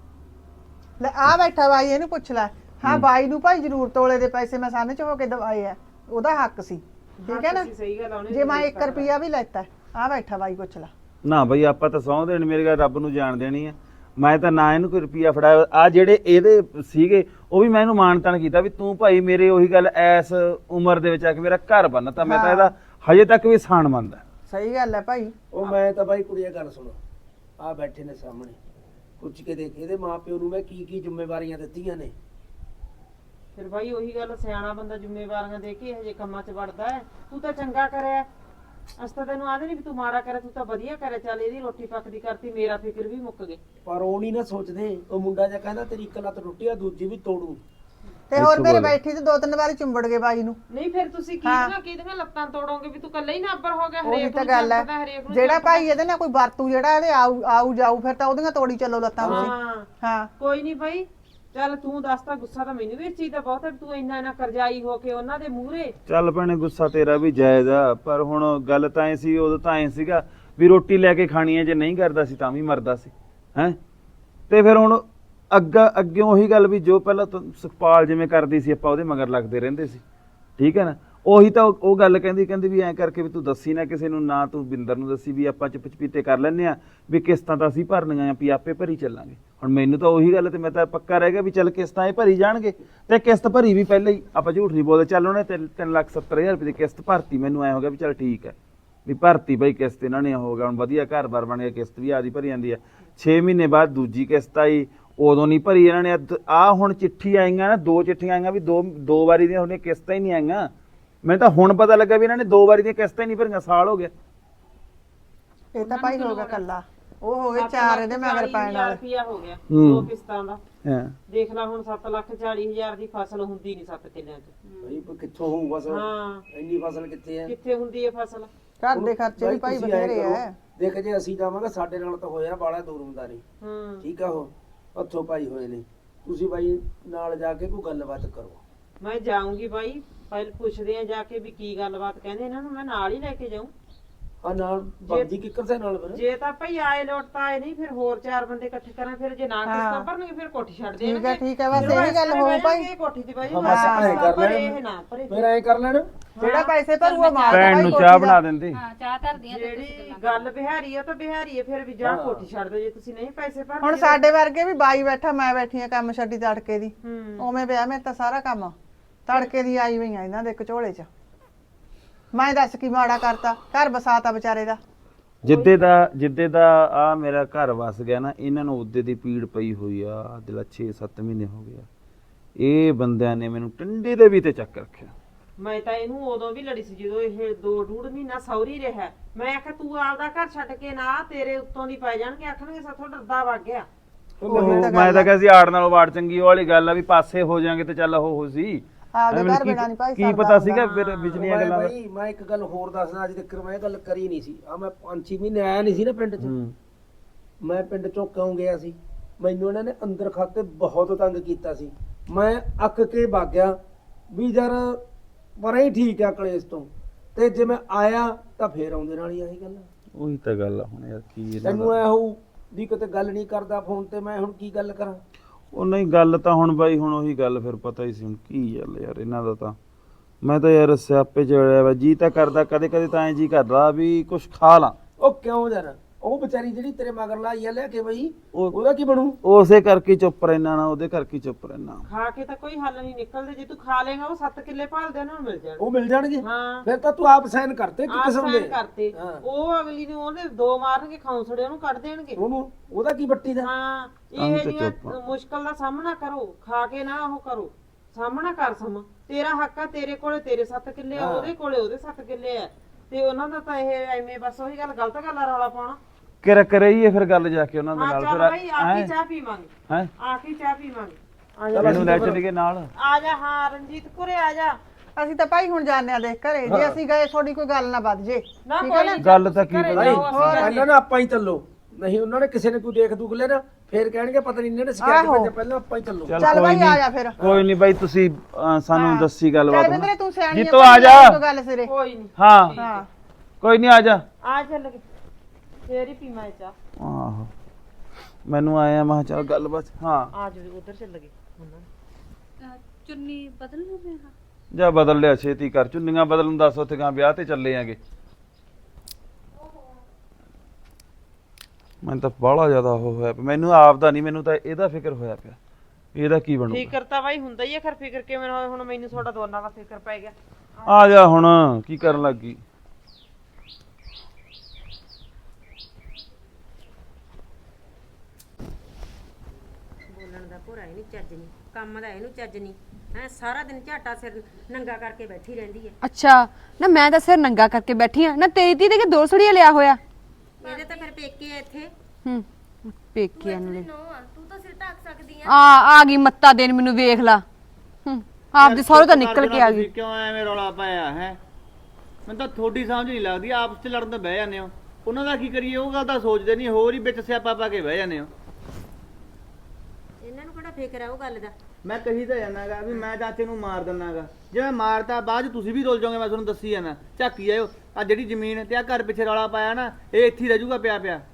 Speaker 2: ਲੈ ਆ ਬੈਠਾ ਬਾਈ, ਇਹਨੂੰ ਪੁੱਛ ਲੈ। ਹਾਂ ਬਾਈ ਨੂੰ ਭਾਈ ਜ਼ਰੂਰ ਤੋਲੇ ਦੇ ਪੈਸੇ ਮੈਂ ਸਾਹਮਣੇ ਚ ਹੋ ਕੇ ਦਵਾਏ ਆ, ਉਹਦਾ ਹੱਕ ਸੀ। ਠੀਕ ਹੈ ਨਾ?
Speaker 3: ਸਹੀ ਗੱਲ ਆ, ਉਹਨੇ
Speaker 2: ਜੇ ਮੈਂ 1 ਰੁਪਿਆ ਵੀ ਲੈਤਾ, ਆ ਬੈਠਾ ਬਾਈ, ਪੁੱਛ ਲੈ।
Speaker 1: ਨਾ ਬਈ ਆਪਾਂ ਤਾਂ ਸਹੁੰ ਦੇਣ, ਮੇਰੀ ਗੱਲ ਰੱਬ ਨੂੰ ਜਾਣ ਦੇਣੀ ਆ। ਮੈਂ ਤਾਂ ਨਾ ਇਹਨੂੰ ਕੋਈ ਰੁਪਿਆ ਫੜਾਇਆ। ਆ ਜਿਹੜੇ ਇਹਦੇ ਸੀਗੇ ਉਹ ਵੀ ਮੈਂ ਇਹਨੂੰ ਮਾਨਤਾਨ ਕੀਤਾ ਵੀ ਤੂੰ ਭਾਈ ਮੇਰੇ ਉਹੀ ਗੱਲ ਐਸ ਉਮਰ ਦੇ ਵਿੱਚ ਆ ਕੇ ਮੇਰਾ ਘਰ ਬੰਨ, ਤਾਂ ਮੈਂ ਤਾਂ ਇਹਦਾ ਹਜੇ ਤੱਕ ਵੀ ਸਾਨ ਮੰਨਦਾ।
Speaker 2: ਸਹੀ ਗੱਲ ਹੈ ਭਾਈ।
Speaker 4: ਉਹ ਮੈਂ ਤਾਂ ਬਾਈ ਕੁੜੀਆਂ ਗੱਲ ਸੁਣੋ, ਆ ਬੈਠੇ ਨੇ ਸਾਹਮਣੇ, ਪੁੱਛ ਕੇ ਦੇਖ ਇਹਦੇ ਮਾਪਿਓ ਨੂੰ ਮੈਂ ਕੀ ਕੀ ਜ਼ਿੰਮੇਵਾਰੀਆਂ ਦਿੱਤੀਆਂ ਨੇ।
Speaker 3: ਫਿਰ ਬਾਈ ਉਹੀ ਗੱਲ, ਸਿਆਣਾ ਬੰਦਾ ਜ਼ਿੰਮੇਵਾਰੀਆਂ ਦੇ ਕੇ ਹਜੇ ਕੰਮਾਂ 'ਚ ਵੜਦਾ ਹੈ। ਤੂੰ ਤਾਂ ਚੰਗਾ ਕਰਿਆ, ਅਸੀਂ ਤਾਂ ਤੈਨੂੰ ਆਦੇ ਨਹੀਂ ਵੀ ਤੂੰ ਮਾੜਾ ਕਰਿਆ, ਤੂੰ ਤਾਂ ਵਧੀਆ ਕਰਿਆ। ਚੱਲ ਇਹਦੀ ਰੋਟੀ ਪੱਕਦੀ ਕਰਤੀ, ਮੇਰਾ ਫਿਕਰ ਵੀ ਮੁੱਕ ਗਏ।
Speaker 4: ਪਰ ਉਹ ਨਹੀਂ ਨਾ ਸੋਚਦੇ, ਉਹ ਮੁੰਡਾ ਜਿਹਾ ਕਹਿੰਦਾ ਤੇਰੀ ਇੱਕ ਲੱਤ ਟੁੱਟੀ ਆ, ਦੂਜੀ ਵੀ ਤੋੜੂ।
Speaker 2: ਤੇ ਹੋਰ ਮੇਰੇ ਬੈਠੀ ਤੇ 2-3 ਵਾਰੀ ਚੁੰਬੜ ਗਏ ਬਾਈ ਨੂੰ।
Speaker 3: ਨਹੀਂ ਫਿਰ ਤੁਸੀਂ ਕਿਹਦੀਆਂ ਲੱਤਾਂ ਤੋੜੋਗੇ ਵੀ ਤੂੰ ਕੱਲਾ ਹੀ ਨਾਬਰ ਹੋ ਗਿਆ?
Speaker 2: ਉਹੀ
Speaker 3: ਹਰੇਕ
Speaker 2: ਤਾਂ
Speaker 3: ਨੂੰ
Speaker 2: ਗੱਲ
Speaker 3: ਚੰਪਦਾ,
Speaker 2: ਹੈ,
Speaker 3: ਹਰੇਕ ਨੂੰ
Speaker 2: ਜਿਹੜਾ
Speaker 3: ਚੰਪਦਾ।
Speaker 2: ਭਾਈ ਇਹਦੇ ਨਾਲ ਕੋਈ ਵਰਤੂ ਜਿਹੜਾ ਇਹਦੇ ਆਊ ਜਾਊ, ਫਿਰ ਤਾਂ ਉਹਦੀਆਂ ਤੋੜੀ ਚੱਲੋ ਲੱਤਾਂ ਤੁਸੀਂ।
Speaker 3: ਹਾਂ
Speaker 2: ਹਾਂ
Speaker 3: ਕੋਈ ਨਹੀਂ ਬਾਈ, ਚੱਲ ਤੂੰ ਦੱਸਦਾ। ਗੁੱਸਾ ਤਾਂ ਮੈਨੂੰ ਵੀ ਇਸ ਚੀਜ਼ ਦਾ ਬਹੁਤ ਹੈ, ਤੂੰ ਇੰਨਾ ਕਰਜ਼ਾਈ ਹੋ ਕੇ ਉਹਨਾਂ ਦੇ ਮੂਹਰੇ।
Speaker 1: ਚੱਲ ਭੈਣੇ ਗੁੱਸਾ ਤੇਰਾ ਵੀ ਜਾਇਜ਼ ਆ, ਪਰ ਹੁਣ ਗੱਲ ਤਾਂ ਐ ਸੀ, ਉਦੋਂ ਤਾਂ ਐ ਸੀਗਾ ਵੀ ਰੋਟੀ ਲੈ ਕੇ ਖਾਣੀ ਹੈ, ਜੇ ਨਹੀਂ ਕਰਦਾ ਸੀ ਤਾਂ ਵੀ ਮਰਦਾ ਸੀ ਹੈ। ਤੇ ਫਿਰ ਹੁਣ ਅੱਗੇ ਉਹੀ ਗੱਲ ਵੀ ਜੋ ਪਹਿਲਾਂ ਸੁਖਪਾਲ ਜਿਵੇਂ ਕਰਦੀ ਸੀ ਆਪਾਂ ਉਹਦੇ ਮਗਰ ਲੱਗਦੇ ਰਹਿੰਦੇ ਸੀ। ਠੀਕ ਹੈ ਨਾ? ਉਹੀ ਤਾਂ ਉਹ ਗੱਲ ਕਹਿੰਦੀ ਵੀ ਐਂ ਕਰਕੇ ਵੀ ਤੂੰ ਦੱਸੀ ਨਾ ਕਿਸੇ ਨੂੰ, ਨਾ ਤੂੰ ਬਿੰਦਰ ਨੂੰ ਦੱਸੀ, ਵੀ ਆਪਾਂ ਚੁੱਪ ਚਪੀਤੇ ਕਰ ਲੈਂਦੇ ਆ ਵੀ ਕਿਸ਼ਤਾਂ ਤਾਂ ਅਸੀਂ ਭਰਨੀਆਂ ਆ, ਵੀ ਆਪੇ ਭਰੀ ਚੱਲਾਂਗੇ। ਹੁਣ ਮੈਨੂੰ ਤਾਂ ਉਹੀ ਗੱਲ ਤੇ ਮੈਂ ਤਾਂ ਪੱਕਾ ਰਹਿ ਗਿਆ ਵੀ ਚੱਲ ਕਿਸ਼ਤਾਂ ਇਹ ਭਰੀ ਜਾਣਗੇ, ਤੇ ਕਿਸ਼ਤ ਭਰੀ ਵੀ ਪਹਿਲਾਂ ਹੀ, ਆਪਾਂ ਝੂਠ ਨਹੀਂ ਬੋਲਦੇ। ਚੱਲ ਉਹਨੇ 3,70,000 ਰੁਪਏ ਦੀ ਕਿਸ਼ਤ ਭਰਤੀ, ਮੈਨੂੰ ਐ ਹੋ ਗਿਆ ਵੀ ਚੱਲ ਠੀਕ ਹੈ ਵੀ ਭਰਤੀ ਬਈ ਕਿਸ਼ਤ ਇਹਨਾਂ ਨੇ ਹੋ ਗਿਆ, ਹੁਣ ਵਧੀਆ ਘਰ-ਬਾਰ ਬਣ ਗਿਆ, ਕਿਸ਼ਤ ਵੀ ਆਦੀ ਭਰੀ ਜਾਂਦੀ ਹੈ। 6 ਮਹੀਨੇ ਬਾਅਦ ਦੂਜੀ ਕਿਸ਼ਤ ਆਈ, ਉਦੋਂ ਨਹੀਂ ਭਰੀ ਇਹਨਾਂ ਨੇ। ਆ ਹੁਣ ਚਿੱਠੀ ਆਈਆਂ ਨਾ, 2 ਚਿੱਠੀਆਂ ਆਈਆਂ ਵੀ ਦੋ ਵਾਰੀ ਦੀਆਂ ਉਹਨੇ ਕਿਸ਼ਤਾਂ ਹੀ ਨਹੀਂ ਆਈਆਂ। ਮੈਨੂੰ ਤਾਂ ਹੁਣ ਪਤਾ ਲੱਗਾ ਵੀ ਇਹਨਾਂ ਨੇ 2 ਵਾਰੀ ਦੀਆਂ ਕਿਸ਼ਤਾਂ ਹੀ ਨਹੀਂ ਭਰੀਆਂ, ਸਾਲ ਹੋ ਗਿਆ।
Speaker 2: ਇਹ ਤਾਂ ਭਾਈ ਹੋ ਗਿਆ ਕੱਲਾ, ਉਹ ਹੋ ਗਏ 4 ਇਹਦੇ ਮਗਰ ਪੈਣ ਵਾਲੇ।
Speaker 3: ਰੁਪਿਆ ਹੋ ਗਿਆ
Speaker 1: ਹੂੰ।
Speaker 3: 2 ਕਿਸ਼ਤਾਂ ਦਾ।
Speaker 1: ਹਾਂ
Speaker 3: ਦੇਖ ਲੈ ਹੁਣ 7,40,000 ਦੀ ਫਸਲ ਹੁੰਦੀ ਨਹੀਂ 7 ਕਿੱਲਿਆਂ 'ਚ।
Speaker 4: ਭਾਈ ਕਿੱਥੋਂ ਹੋਊ ਫਸਲ?
Speaker 3: ਹਾਂ
Speaker 4: ਇੰਨੀ ਫਸਲ ਕਿੱਥੇ ਹੈ?
Speaker 3: ਕਿੱਥੇ ਹੁੰਦੀ ਹੈ ਫਸਲ?
Speaker 2: ਘਰ ਦੇ ਖਰਚੇ ਵੀ ਭਾਈ
Speaker 4: ਤੁਸੀਂ ਐਂ
Speaker 2: ਬਥੇਰੇ
Speaker 4: ਕਰੋ,
Speaker 2: ਐ।
Speaker 4: ਦੇਖ ਜੇ ਅਸੀਂ ਜਾਵਾਂਗੇ ਸਾਡੇ ਨਾਲ ਤਾਂ ਹੋਇਆ ਬਾਲਾ ਦੂਰ ਹੁੰਦਾ ਨਹੀਂ।
Speaker 3: ਹੂੰ
Speaker 4: ਠੀਕ ਆ, ਉਹ ਹੱਥੋਂ ਪਾਈ ਹੋਏ ਨੇ। ਤੁਸੀਂ ਬਾਈ ਨਾਲ ਜਾ ਕੇ ਕੋਈ ਗੱਲਬਾਤ ਕਰੋ।
Speaker 3: ਮੈਂ ਜਾਊਂਗੀ ਬਾਈ, ਪਹਿਲ ਪੁੱਛਦੇ ਆ ਜਾ ਕੇ ਵੀ ਕੀ ਗੱਲਬਾਤ ਕਹਿੰਦੇ ਇਹਨਾਂ ਨੂੰ, ਮੈਂ ਨਾਲ ਹੀ ਲੈ ਕੇ ਜਾਊਂ।
Speaker 4: ਆ ਨਾਲ ਬਾਜੀ ਕਿੱਕਰ ਸੇ ਨਾਲ ਫਿਰ
Speaker 3: ਜੇ ਤਾਂ ਭਈ ਆਏ ਲੋਟ ਤਾਂ ਆਏ ਨਹੀਂ, ਫਿਰ ਹੋਰ 4 ਬੰਦੇ ਇਕੱਠੇ ਕਰਾਂ, ਫਿਰ ਜੇ ਨਾ ਕਿਸ਼ਤਾਂ ਭਰਨਗੇ ਫਿਰ ਕੋਠੀ ਛੱਡ ਦੇਣਗੇ।
Speaker 2: ਠੀਕ ਹੈ ਬਸ ਇਹੀ ਗੱਲ ਹੋਊ ਭਾਈ।
Speaker 3: ਕੋਠੀ ਦੀ ਬਾਈ
Speaker 4: ਹਾਂ ਬਸ ਐਂ ਕਰ ਲੈਣ
Speaker 3: ਇਹ ਨਾ ਭਰੇ।
Speaker 4: ਫਿਰ ਐਂ ਕਰ ਲੈਣ
Speaker 2: ਜਿਹੜਾ ਪੈਸੇ ਭਰੂਗਾ ਮਾਰ
Speaker 1: ਭੈਣ ਨੂੰ ਚਾਹ ਬਣਾ ਦਿੰਦੀ।
Speaker 5: ਹਾਂ ਚਾਹ ਧਰਦੀਆਂ ਤੇ ਤੁਸੀਂ
Speaker 3: ਜਿਹੜੀ
Speaker 5: ਗੱਲਾਂ
Speaker 3: ਗੱਲ ਬਿਹਾਰੀ ਆ ਤਾਂ ਬਿਹਾਰੀ ਆ, ਫਿਰ ਵੀ ਜਾ ਕੋਠੀ ਛੱਡ ਦਿਓ ਜੇ ਤੁਸੀਂ ਨਹੀਂ ਪੈਸੇ ਭਰਦੇ।
Speaker 2: ਹੁਣ ਸਾਡੇ ਵਰਗੇ ਵੀ ਬਾਈ ਬੈਠਾ, ਮੈਂ ਬੈਠੀ ਆ ਕੰਮ ਛੱਡੀ ਤੜਕੇ ਦੀ, ਉਵੇਂ ਪਿਆ ਮੇਰੇ ਤਾਂ ਸਾਰਾ ਕੰਮ ਤੜਕੇ ਦੀ ਆਈ ਹੋਈ ਆ ਇਹਨਾਂ ਦੇ ਕਚੋਲੇ 'ਚ। ਮੈਂ ਦੱਸ ਕੀ ਮਾੜਾ ਕਰਤਾ, ਘਰ ਬਸਾਤਾ ਵਿਚਾਰੇ ਦਾ।
Speaker 1: ਜਿੱਦੇ ਦਾ ਆ ਮੇਰਾ ਘਰ ਵਸ ਗਿਆ ਨਾ, ਇਹਨਾਂ ਨੂੰ ਉਹਦੇ ਦੀ ਪੀੜ ਪਈ ਹੋਈ ਆ। ਦਿਲਾ 6-7 ਮਹੀਨੇ ਹੋ ਗਿਆ, ਇਹ ਬੰਦਿਆਂ ਨੇ ਮੈਨੂੰ ਟੰਡੇ ਦੇ ਵੀ ਤੇ ਚੱਕ ਰੱਖਿਆ।
Speaker 3: ਮੈਂ ਤਾਂ ਇਹਨੂੰ ਉਦੋਂ ਵੀ ਲੜੀ ਸੀ ਜਦੋਂ ਇਹ 2.5 ਮਹੀਨਾ ਸੌਰੀ ਰਿਹਾ। ਮੈਂ ਆਖਿਆ ਤੂੰ ਆਪਦਾ ਘਰ ਛੱਡ ਕੇ ਨਾ, ਤੇਰੇ ਉੱਤੋਂ ਦੀ ਪੈ ਜਾਣਗੇ, ਆਖਣਗੇ ਸਾਥੋਂ ਡਰਦਾ ਵਗ ਗਿਆ।
Speaker 1: ਮੈਂ ਤਾਂ ਕਿਹਾ ਸੀ ਆੜ ਨਾਲੋਂ ਵਾੜ ਚੰਗੀ, ਉਹ ਵਾਲੀ ਗੱਲ ਆ ਵੀ ਪਾਸੇ ਹੋ ਜਾਾਂਗੇ ਤੇ ਚੱਲ ਉਹ ਸੀ।
Speaker 2: ਆਪਦੇ ਘਰ ਬਿਨਾਂ ਨਹੀਂ ਭਾਈ
Speaker 1: ਕੀ ਪਤਾ ਸੀਗਾ ਫਿਰ ਵਿਚਲੀਆਂ ਗੱਲਾਂ ਦਾ।
Speaker 4: ਭਾਈ ਮੈਂ ਇੱਕ ਗੱਲ ਹੋਰ ਦੱਸਦਾ, ਅੱਜ ਤੱਕ ਮੈਂ ਇਹ ਗੱਲ ਕਰੀ ਨਹੀਂ ਸੀ। ਆ ਮੈਂ 5-6 ਮਹੀਨੇ ਆਇਆ ਨਹੀਂ ਸੀ ਨਾ ਪਿੰਡ 'ਚ। ਮੈਂ ਪਿੰਡ ਚੋਂ ਕਿਉਂ ਗਿਆ ਸੀ, ਮੈਨੂੰ ਇਹਨਾਂ ਨੇ ਅੰਦਰ ਖਾਤੇ ਬਹੁਤ ਤੰਗ ਕੀਤਾ ਸੀ। ਮੈਂ ਅੱਕ ਕੇ ਵਗ ਗਿਆ ਵੀ ਯਾਰ ਪਰ ਹੀ ਠੀਕ ਆ ਕਲੇਸ਼ ਤੋਂ, ਤੇ ਜੇ ਮੈਂ ਆਇਆ ਤਾਂ ਫੇਰ ਆਉਂਦੇ ਨਾਲ ਹੀ ਆਹੀ ਗੱਲ।
Speaker 1: ਉਹੀ ਤਾਂ ਗੱਲ ਆ ਹੁਣ ਯਾਰ, ਕੀ
Speaker 4: ਤੈਨੂੰ ਐ ਹੋਊ ਵੀ ਕਿਤੇ ਗੱਲ ਨਹੀਂ ਕਰਦਾ ਫੋਨ ਤੇ, ਮੈਂ ਹੁਣ ਕੀ ਗੱਲ ਕਰਾਂ।
Speaker 1: ਉਹ ਨਹੀਂ ਗੱਲ ਤਾਂ ਹੁਣ ਬਾਈ, ਹੁਣ ਉਹੀ ਗੱਲ ਫਿਰ ਪਤਾ ਹੀ ਸੀ ਹੁਣ ਕੀ ਗੱਲ ਯਾਰ ਇਹਨਾਂ ਦਾ। ਤਾਂ ਮੈਂ ਤਾਂ ਯਾਰ ਸਿਆਪੇ ਚ ਅੜਿਆ ਵਾ, ਜੀ ਤਾਂ ਕਰਦਾ ਕਦੇ ਕਦੇ ਤਾਂ ਐ ਜੀ ਕਰਦਾ ਵੀ ਕੁਛ ਖਾ ਲਾਂ।
Speaker 4: ਉਹ ਕਿਉਂ ਯਾਰ, ਉਹ ਵਿਚਾਰੀ ਜਿਹੜੀ ਤੇਰੇ ਮਗਰ ਲਾਈ ਆ ਲੈ ਕੇ ਬਈ, ਉਹਦਾ ਕੀ ਬਣੂ?
Speaker 1: ਉਸੇ ਕਰਕੇ ਚੁੱਪ ਰਹਿਣਾ ਨਾ, ਉਹਦੇ ਕਰਕੇ ਚੁੱਪ ਰਹਿਣਾ।
Speaker 3: ਖਾ ਕੇ ਤਾਂ ਕੋਈ ਹੱਲ ਨਹੀਂ ਨਿਕਲਦੇ। ਜੇ ਤੂੰ ਖਾ ਲੇਗਾ ਉਹ 7 ਕਿੱਲੇ ਭਾਲਦੇ ਉਹਨਾਂ ਨੂੰ ਮਿਲ ਜਾਣਗੇ।
Speaker 4: ਉਹ ਮਿਲ ਜਾਣਗੇ।
Speaker 3: ਹਾਂ
Speaker 4: ਫਿਰ ਤਾਂ ਤੂੰ ਆਪ ਸਾਈਨ ਕਰਤੇ ਕਿ ਕਿਸਮ ਦੇ
Speaker 3: ਕਰਤੇ।
Speaker 4: ਹਾਂ।
Speaker 3: ਉਹ ਅਗਲੀ ਨੂੰ ਉਹਦੇ 2 ਮਾਰਨਗੇ, ਖੌਂਸੜੇ ਉਹਨੂੰ ਕੱਢ ਦੇਣਗੇ।
Speaker 4: ਉਹਨੂੰ ਉਹਦਾ ਕੀ ਬੱਟੀ ਦਾ।
Speaker 3: ਹਾਂ
Speaker 1: ਤਾਂ
Speaker 3: ਇਹ
Speaker 1: ਤੇ
Speaker 3: ਜਿਹੀਆਂ
Speaker 1: ਚੁੱਪ ਆ।
Speaker 3: ਮੁਸ਼ਕਲ ਦਾ ਸਾਹਮਣਾ ਕਰੋ, ਖਾ ਕੇ ਨਾ ਉਹ ਕਰੋ, ਸਾਹਮਣਾ ਕਰ ਸਮਾਂ। ਤੇਰਾ ਹੱਕ ਆ, ਤੇਰੇ ਕੋਲੇ ਤੇਰੇ 7 ਕਿੱਲੇ ਆ, ਉਹਦੇ ਕੋਲੇ ਉਹਦੇ 7 ਕਿੱਲੇ ਆ, ਤੇ ਉਹਨਾਂ ਦਾ ਤਾਂ ਇਹ ਐਵੇਂ ਬਸ ਉਹੀ ਗੱਲ ਗਲਤ ਗੱਲ ਆ, ਰੌਲਾ ਪਾਉਣਾ।
Speaker 1: ਕਰਈਏ ਫਿਰ ਗੱਲ ਜਾ ਕੇ ਉਹਨਾਂ ਦੇ
Speaker 3: ਹਾਂ
Speaker 1: ਨਾਲ।
Speaker 3: ਚੱਲ ਭਾਈ ਆ ਕੇ ਚਾਹ ਪੀਵਾਂਗੇ,
Speaker 1: ਹੈ
Speaker 3: ਆ ਕੇ ਚਾਹ ਪੀਵਾਂਗੇ। ਆ ਜਾ
Speaker 1: ਇਹਨੂੰ ਲੈ ਚੱਲੀਏ ਨਾਲ।
Speaker 3: ਆ ਜਾ। ਹਾਂ ਰਣਜੀਤ ਕੁਰੇ ਆ ਜਾ।
Speaker 2: ਅਸੀਂ ਤਾਂ ਭਾਈ ਹੁਣ ਜਾਣਿਆ ਦੇਖ ਘਰੇ, ਜੇ ਅਸੀਂ ਗਏ ਤੁਹਾਡੀ ਕੋਈ ਗੱਲ ਨਾ ਵੱਧ ਜੇ।
Speaker 3: ਨਾ
Speaker 2: ਠੀਕ
Speaker 3: ਕੋਈ
Speaker 2: ਹੈ ਨਾ?
Speaker 3: ਨੀ,
Speaker 1: ਗੱਲ ਤਾਂ ਕੀ
Speaker 3: ਘਰੇ
Speaker 1: ਪਤਾ।
Speaker 3: ਜਾਓ, ਅਸੀਂ
Speaker 4: ਪਹਿਲਾਂ ਨਾ ਆਪਾਂ ਹੀ ਚੱਲੋ, ਨਹੀਂ ਉਹਨਾਂ ਨੇ ਕਿਸੇ ਨੇ ਕੋਈ ਦੇਖ ਦੁਖ ਲੈ ਨਾ, ਫੇਰ ਕਹਿਣਗੇ ਪਤਾ ਨਹੀਂ ਇਹਨਾਂ ਨੇ ਸ਼ਿਕਾਇਤ
Speaker 2: ਆਹੋ।
Speaker 4: ਭੇਜਿਆ, ਪਹਿਲਾਂ ਆਪਾਂ ਹੀ ਚੱਲੋ।
Speaker 2: ਚੱਲ ਭਾਈ ਆ ਜਾ ਫਿਰ।
Speaker 1: ਕੋਈ ਨਹੀਂ ਬਾਈ, ਤੁਸੀਂ ਸਾਨੂੰ ਦੱਸੀ ਗੱਲਬਾਤ।
Speaker 2: ਚੱਲ ਬਿੰਦਰੇ ਤੂੰ ਸਿਆਣੀ
Speaker 1: ਜੀਤੋ ਆ ਜਾ।
Speaker 2: ਕੋਈ ਗੱਲ ਸਿਰੇ।
Speaker 3: ਕੋਈ ਨਹੀਂ।
Speaker 1: ਹਾਂ
Speaker 2: ਹਾਂ
Speaker 1: ਕੋਈ ਨਹੀਂ, ਆ ਜਾ।
Speaker 3: ਆ ਚੱਲ ਕੇ ਫੇਰ ਹੀ ਪੀਵਾਂ ਚਾਹ।
Speaker 1: ਆਹੋ ਮੈਨੂੰ ਆਇਆ, ਮੈਂ ਕਿਹਾ ਚੱਲ ਗੱਲਬਾਤ। ਹਾਂ
Speaker 3: ਆ ਜਾ ਉਧਰ ਚੱਲ ਗਏ ਹੁਣ।
Speaker 5: ਚੁੰਨੀ ਬਦਲ ਲਓ ਮੈਂ।
Speaker 1: ਜਾ ਬਦਲ ਲਿਆ, ਛੇਤੀ ਕਰ। ਚੁੰਨੀਆਂ ਬਦਲਣ ਦੱਸ, ਉੱਥੇ ਗਾਂ ਵਿਆਹ ਤੇ ਚੱਲੇ ਆਂਗੇ। ਮੈਨੂੰ ਤਾਂ ਬਾਹਲਾ ਜ਼ਿਆਦਾ ਉਹ ਹੋਇਆ ਪਿਆ, ਮੈਨੂੰ ਆਪ ਦਾ ਨਹੀਂ, ਮੈਨੂੰ ਤਾਂ ਇਹਦਾ ਫਿਕਰ ਹੋਇਆ ਪਿਆ, ਇਹਦਾ ਕੀ ਬਣੂਗਾ।
Speaker 3: ਫਿਕਰ ਤਾਂ ਬਾਈ ਹੁੰਦਾ ਹੀ ਆ, ਖਰ ਫਿਕਰ ਕਿਵੇਂ ਨਾ ਹੋਏ। ਹੁਣ ਮੈਨੂੰ ਤੁਹਾਡਾ ਦੋਨਾਂ ਦਾ ਫਿਕਰ ਪੈ ਗਿਆ।
Speaker 1: ਆ ਜਾ ਹੁਣ, ਕੀ ਕਰਨ ਲੱਗੀ।
Speaker 6: ਬੋਲਣ ਦਾ ਭੋਰਾ ਇਹਨੂੰ ਚੱਜ ਨਹੀਂ, ਕੰਮ ਦਾ ਇਹਨੂੰ ਚੱਜ ਨਹੀਂ ਹੈ। ਸਾਰਾ ਦਿਨ ਝਾਟਾ ਸਿਰ ਨੰਗਾ ਕਰਕੇ ਬੈਠੀ ਰਹਿੰਦੀ ਹੈ।
Speaker 7: ਅੱਛਾ ਨਾ, ਮੈਂ ਤਾਂ ਸਿਰ ਨੰਗਾ ਕਰਕੇ ਬੈਠੀ ਆ ਨਾ। ਤੇਰੀ ਤੀ ਦੇ ਕੇ 2 ਸੜੀਆਂ ਲਿਆ ਹੋਇਆ।
Speaker 6: ਇਹਦੇ ਤਾਂ ਫਿਰ ਪੇਕੇ ਆ ਇੱਥੇ।
Speaker 7: ਹੂੰ ਪੇਕਿਆਂ ਨੂੰ
Speaker 6: ਤੂੰ ਤਾਂ ਸਿਰ ਢੱਕ ਸਕਦੀ ਆ।
Speaker 7: ਆ ਗਈ ਮੱਤਾ ਦੇਣ ਮੈਨੂੰ, ਵੇਖ ਲਾ। ਹੂੰ ਆਪਦੇ ਸਹੁਰੇ ਤਾਂ ਨਿਕਲ ਕੇ ਆ ਗਈ।
Speaker 8: ਕਿਉਂ ਐਵੇਂ ਰੌਲਾ ਪਾਇਆ ਹੈ? ਮੈਨੂੰ ਤਾਂ ਤੁਹਾਡੀ ਸਮਝ ਨਹੀਂ ਲੱਗਦੀ, ਆਪਸ ਚ ਲੜਨ ਤਾਂ ਬਹਿ ਜਾਂਦੇ ਹੋ। ਉਹਨਾਂ ਦਾ ਕੀ ਕਰੀਏ, ਉਹ ਗੱਲ ਤਾਂ ਸੋਚਦੇ ਨਹੀਂ, ਹੋਰ ਹੀ ਵਿੱਚ ਸਿਆਪਾ ਪਾ ਕੇ ਬਹਿ ਜਾਂਦੇ ਹੋ।
Speaker 6: ਇਹਨਾਂ ਨੂੰ ਕਿਹੜਾ ਫਿਕਰ ਆ ਉਹ ਗੱਲ ਦਾ।
Speaker 8: ਮੈਂ ਕਹੀ ਤਾਂ ਜਾਣਾਗਾ ਵੀ ਮੈਂ ਚਾਚੇ ਨੂੰ ਮਾਰ ਦਿੰਨਾਗਾ, ਜੇ ਮੈਂ ਮਾਰਤਾ ਬਾਅਦ 'ਚ ਤੁਸੀਂ ਵੀ ਰੁੱਲ ਜਾਓਗੇ। ਮੈਂ ਤੁਹਾਨੂੰ ਦੱਸੀ ਜਾਣਾ, ਝਾਕੀ ਜਾਇਓ। ਆ ਜਿਹੜੀ ਜ਼ਮੀਨ ਤੇ ਆ ਘਰ ਪਿੱਛੇ ਰੌਲਾ ਪਾਇਆ ਨਾ, ਇਹ ਇੱਥੇ ਹੀ ਰਹਿ ਜਾਊਗਾ ਪਿਆ ਪਿਆ।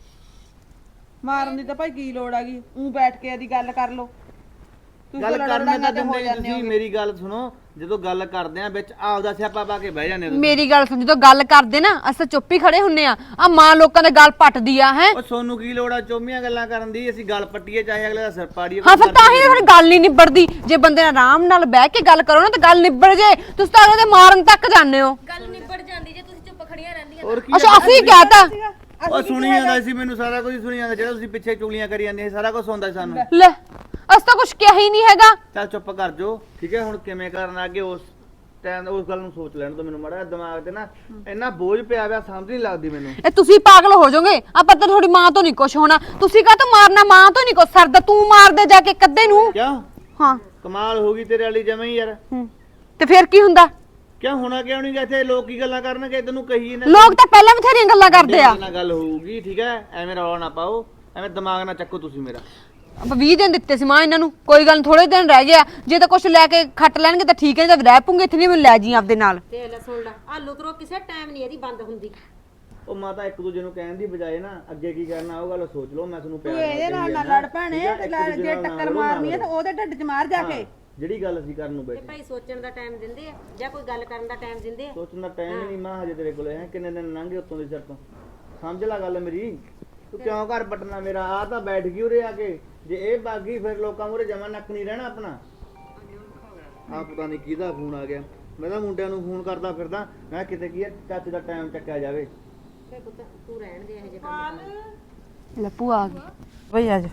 Speaker 3: ਮਾਰਨ ਦੀ ਤਾਂ ਭਾਈ ਕੀ ਲੋੜ ਹੈਗੀ, ਉਹ ਬੈਠ ਕੇ ਇਹਦੀ ਗੱਲ ਕਰ ਲੋ।
Speaker 8: ਗੱਲ ਕਰਨੇ ਤਾਂ ਦਿੰਦੇ ਨੀ ਤੁਸੀਂ। ਮੇਰੀ ਗੱਲ ਸੁਣੋ, ਜਦੋਂ ਗੱਲ ਕਰਦੇ ਆ ਵਿੱਚ ਆਪਦਾ ਸਿਆਪਾ ਪਾ ਕੇ ਬਹਿ ਜਾਂਦੇ ਤੁਸੀਂ।
Speaker 7: ਮੇਰੀ ਗੱਲ ਸੁਣ, ਜਦੋਂ ਗੱਲ ਕਰਦੇ ਨਾ ਅਸੀਂ ਤਾਂ ਚੁੱਪ ਹੀ ਖੜੇ ਹੁੰਨੇ ਆ। ਆ ਮਾਂ ਲੋਕਾਂ ਦੇ ਗੱਲ ਪੱਟਦੀ ਆ ਹੈ।
Speaker 8: ਉਹ ਸੋਨੂੰ ਕੀ ਲੋੜ ਆ ਚੋਮੀਆਂ ਗੱਲਾਂ ਕਰਨ ਦੀ? ਅਸੀਂ ਗੱਲ ਪੱਟੀਏ ਚਾਹੇ ਅਗਲੇ ਦਾ ਸਿਰ ਪਾੜੀਏ।
Speaker 7: ਹਾਂ ਫਿਰ ਤਾਂ ਹੀ ਫਿਰ ਗੱਲ ਨਹੀਂ ਨਿਬੜਦੀ। ਜੇ ਬੰਦੇ ਨਾਲ ਆਰਾਮ ਨਾਲ ਬਹਿ ਕੇ ਗੱਲ ਕਰੋ ਨਾ ਤਾਂ ਗੱਲ ਨਿਬੜ ਜੇ। ਤੁਸੀਂ ਤਾਂ ਅਗਲੇ ਦੇ ਮਾਰਨ ਤੱਕ ਜਾਂਦੇ ਹੋ।
Speaker 6: ਗੱਲ ਨਿਬੜ ਜਾਂਦੀ ਜੇ ਤੁਸੀਂ ਚੁੱਪ ਖੜੀਆਂ ਰਹਿੰਦੀਆਂ।
Speaker 8: ਹੋਰ ਕੀ
Speaker 7: ਅੱਛਾ ਅਸੀਂ ਕਹਤਾ।
Speaker 8: ਉਹ ਸੁਣੀ ਜਾਂਦਾ ਸੀ, ਮੈਨੂੰ ਸਾਰਾ ਕੁਝ ਸੁਣੀ ਜਾਂਦਾ। ਜਿਹੜਾ ਤੁਸੀਂ ਪਿੱਛੇ ਚੁਗਲੀਆਂ ਕਰੀ ਜਾਂਦੇ ਸੀ, ਸਾਰਾ ਕੁਝ ਸੁਣਦਾ ਸੀ ਸਾਨੂੰ।
Speaker 7: ਲੈ ਅਸੀਂ ਤਾਂ ਕੁਝ ਕਿਹਾ ਹੀ ਨਹੀਂ ਹੈਗਾ।
Speaker 8: ਚੱਲ ਚੁੱਪ ਕਰ ਜੋ, ਠੀਕ ਹੈ। ਹੁਣ ਕਿਵੇਂ ਕਰਨਾ ਅੱਗੇ, ਉਸ ਟਾਈਮ ਉਸ ਗੱਲ ਨੂੰ ਸੋਚ ਲੈਣ ਤੋਂ ਮੈਨੂੰ ਮਾੜਾ ਦਿਮਾਗ ਤੇ ਨਾ ਇੰਨਾ ਬੋਝ ਪਿਆ ਪਿਆ, ਸਮਝ ਨਹੀਂ ਲੱਗਦੀ ਮੈਨੂੰ।
Speaker 7: ਇਹ ਤੁਸੀਂ ਪਾਗਲ ਹੋ ਜਾਓਗੇ। ਆਪਾਂ ਤਾਂ ਤੁਹਾਡੀ ਮਾਂ ਤੋਂ ਨਹੀਂ ਕੁਝ ਹੋਣਾ। ਤੁਸੀਂ ਕਾਹ ਤੋਂ ਮਾਰਨਾ, ਮਾਂ ਤੋਂ ਨਹੀਂ ਕੁਝ ਸਰਦਾ। ਤੂੰ ਮਾਰ ਦੇ ਜਾ ਕੇ ਕੱਦੇ ਨੂੰ।
Speaker 8: ਕਿਉਂ?
Speaker 7: ਹਾਂ
Speaker 8: ਕਮਾਲ ਹੋ ਗਈ ਤੇਰੇ ਵਾਲੀ ਜਮੇ ਹੀ ਯਾਰ।
Speaker 7: ਤੇ ਫਿਰ ਕੀ ਹੁੰਦਾ?
Speaker 8: ਕਿਉਂ ਹੋਣਾ ਕਿਉਂ ਨਹੀਂ? ਇੱਥੇ ਲੋਕ ਕੀ ਗੱਲਾਂ ਕਰਨਗੇ, ਤੈਨੂੰ ਕਹੀ ਨਾ
Speaker 7: ਲੋਕ ਤਾਂ ਪਹਿਲਾਂ ਬਥੇਰੀਆਂ ਗੱਲਾਂ ਕਰਦੇ ਆ।
Speaker 8: ਨਾਲ ਗੱਲ ਹੋਊਗੀ, ਠੀਕ ਹੈ। ਐਵੇਂ ਰੌਲਾ ਨਾ ਪਾਓ, ਐਵੇਂ ਦਿਮਾਗ ਨਾ ਚੱਕੋ ਤੁਸੀਂ ਮੇਰਾ।
Speaker 7: ਆਪਾਂ 20 ਦਿਨ ਦਿੱਤੇ ਸੀ ਮਾਂ ਇਹਨਾਂ ਨੂੰ, ਕੋਈ ਗੱਲ ਥੋੜੇ ਦਿਨ ਰਹਿ ਗਿਆ। ਜੇ ਤਾਂ ਕੁਝ ਲੈ ਕੇ ਖੱਟ ਲੈਣਗੇ ਤਾਂ ਠੀਕ ਹੈ, ਜਦ ਰਹਿ ਪੂੰਗੇ ਇੱਥੇ ਨਹੀਂ ਮੈਨੂੰ ਲੈ ਜੀ ਆਪਦੇ ਨਾਲ।
Speaker 6: ਤੇ ਲੈ ਸੁਣ ਲੈ, ਆ ਲੁਤਰੋ ਕਿਸੇ ਟਾਈਮ ਨਹੀਂ ਇਹਦੀ ਬੰਦ ਹੁੰਦੀ।
Speaker 8: ਉਹ ਮਾਤਾ ਇੱਕ ਦੂਜੇ ਨੂੰ ਕਹਿਣ ਦੀ ਬਜਾਏ ਨਾ ਅੱਗੇ ਕੀ ਕਰਨਾ ਉਹ ਗੱਲ ਸੋਚ ਲਓ। ਮੈਂ ਤੁਹਾਨੂੰ ਪਿਆਰ
Speaker 2: ਤੂੰ ਇਹਦੇ ਨਾਲ ਨਾ ਲੜ ਭੈਣੇ ਤੇ ਜੇ ਟੱਕਰ ਮਾਰਨੀ ਹੈ ਤਾਂ ਉਹਦੇ ਢਿੱਡ 'ਚ ਮਾਰ ਜਾ ਕੇ।
Speaker 8: ਜਿਹੜੀ ਗੱਲ ਅਸੀਂ ਕਰਨ ਨੂੰ
Speaker 6: ਤੇ
Speaker 8: ਬੈਠੇ
Speaker 6: ਭਾਈ ਸੋਚਣ ਦਾ ਟਾਈਮ ਦਿੰਦੇ ਆ ਜਾਂ ਕੋਈ ਗੱਲ ਕਰਨ ਦਾ ਟਾਈਮ ਦਿੰਦੇ ਆ?
Speaker 8: ਸੋਚਣ ਦਾ ਟਾਈਮ ਹੀ ਨਹੀਂ ਮਾਂ ਹਜੇ ਤੇਰੇ ਕੋਲੇ ਹੈ। ਕਿੰਨੇ ਦਿਨ ਲੰਘੇ ਉੱਤੋਂ ਦੀ ਸਿਰ ਤੋਂ। ਸਮਝ ਲੈ ਗੱਲ ਮੇਰੀ। ਤੂੰ ਕਿਉਂ ਘਰ ਪਟਣਾ ਮੇਰਾ? ਆ ਤਾਂ ਬੈਠ ਗਈ ਉਰੇ ਆ ਕੇ। ਜੇ ਇਹ ਬਾਗੀ ਫਿਰ ਲੋਕਾਂ ਮੂਹਰੇ ਜਮਾ ਨੱਕ ਨਹੀਂ ਰਹਿਣਾ ਆਪਣਾ। ਆ ਪਤਾ ਨਹੀਂ ਕਿਹਦਾ ਫੋਨ ਆ ਗਿਆ। ਮੈਂ ਤਾਂ ਮੁੰਡਿਆਂ ਨੂੰ ਫੋਨ ਕਰਦਾ ਫਿਰਦਾ। ਮੈਂ ਕਿਤੇ ਕੀ ਹੈ ਚਾਚੇ ਦਾ ਟਾਈਮ ਚੱਕਿਆ ਜਾਵੇ।
Speaker 6: ਤੇ ਪੁੱਤ ਤੂੰ ਰਹਿਣ ਦੇ ਇਹ ਜੇ ਕੰਮ।
Speaker 7: ਲੈ ਭੂਆ ਆ ਗਈ।
Speaker 2: ਬਈ ਆ ਜਾ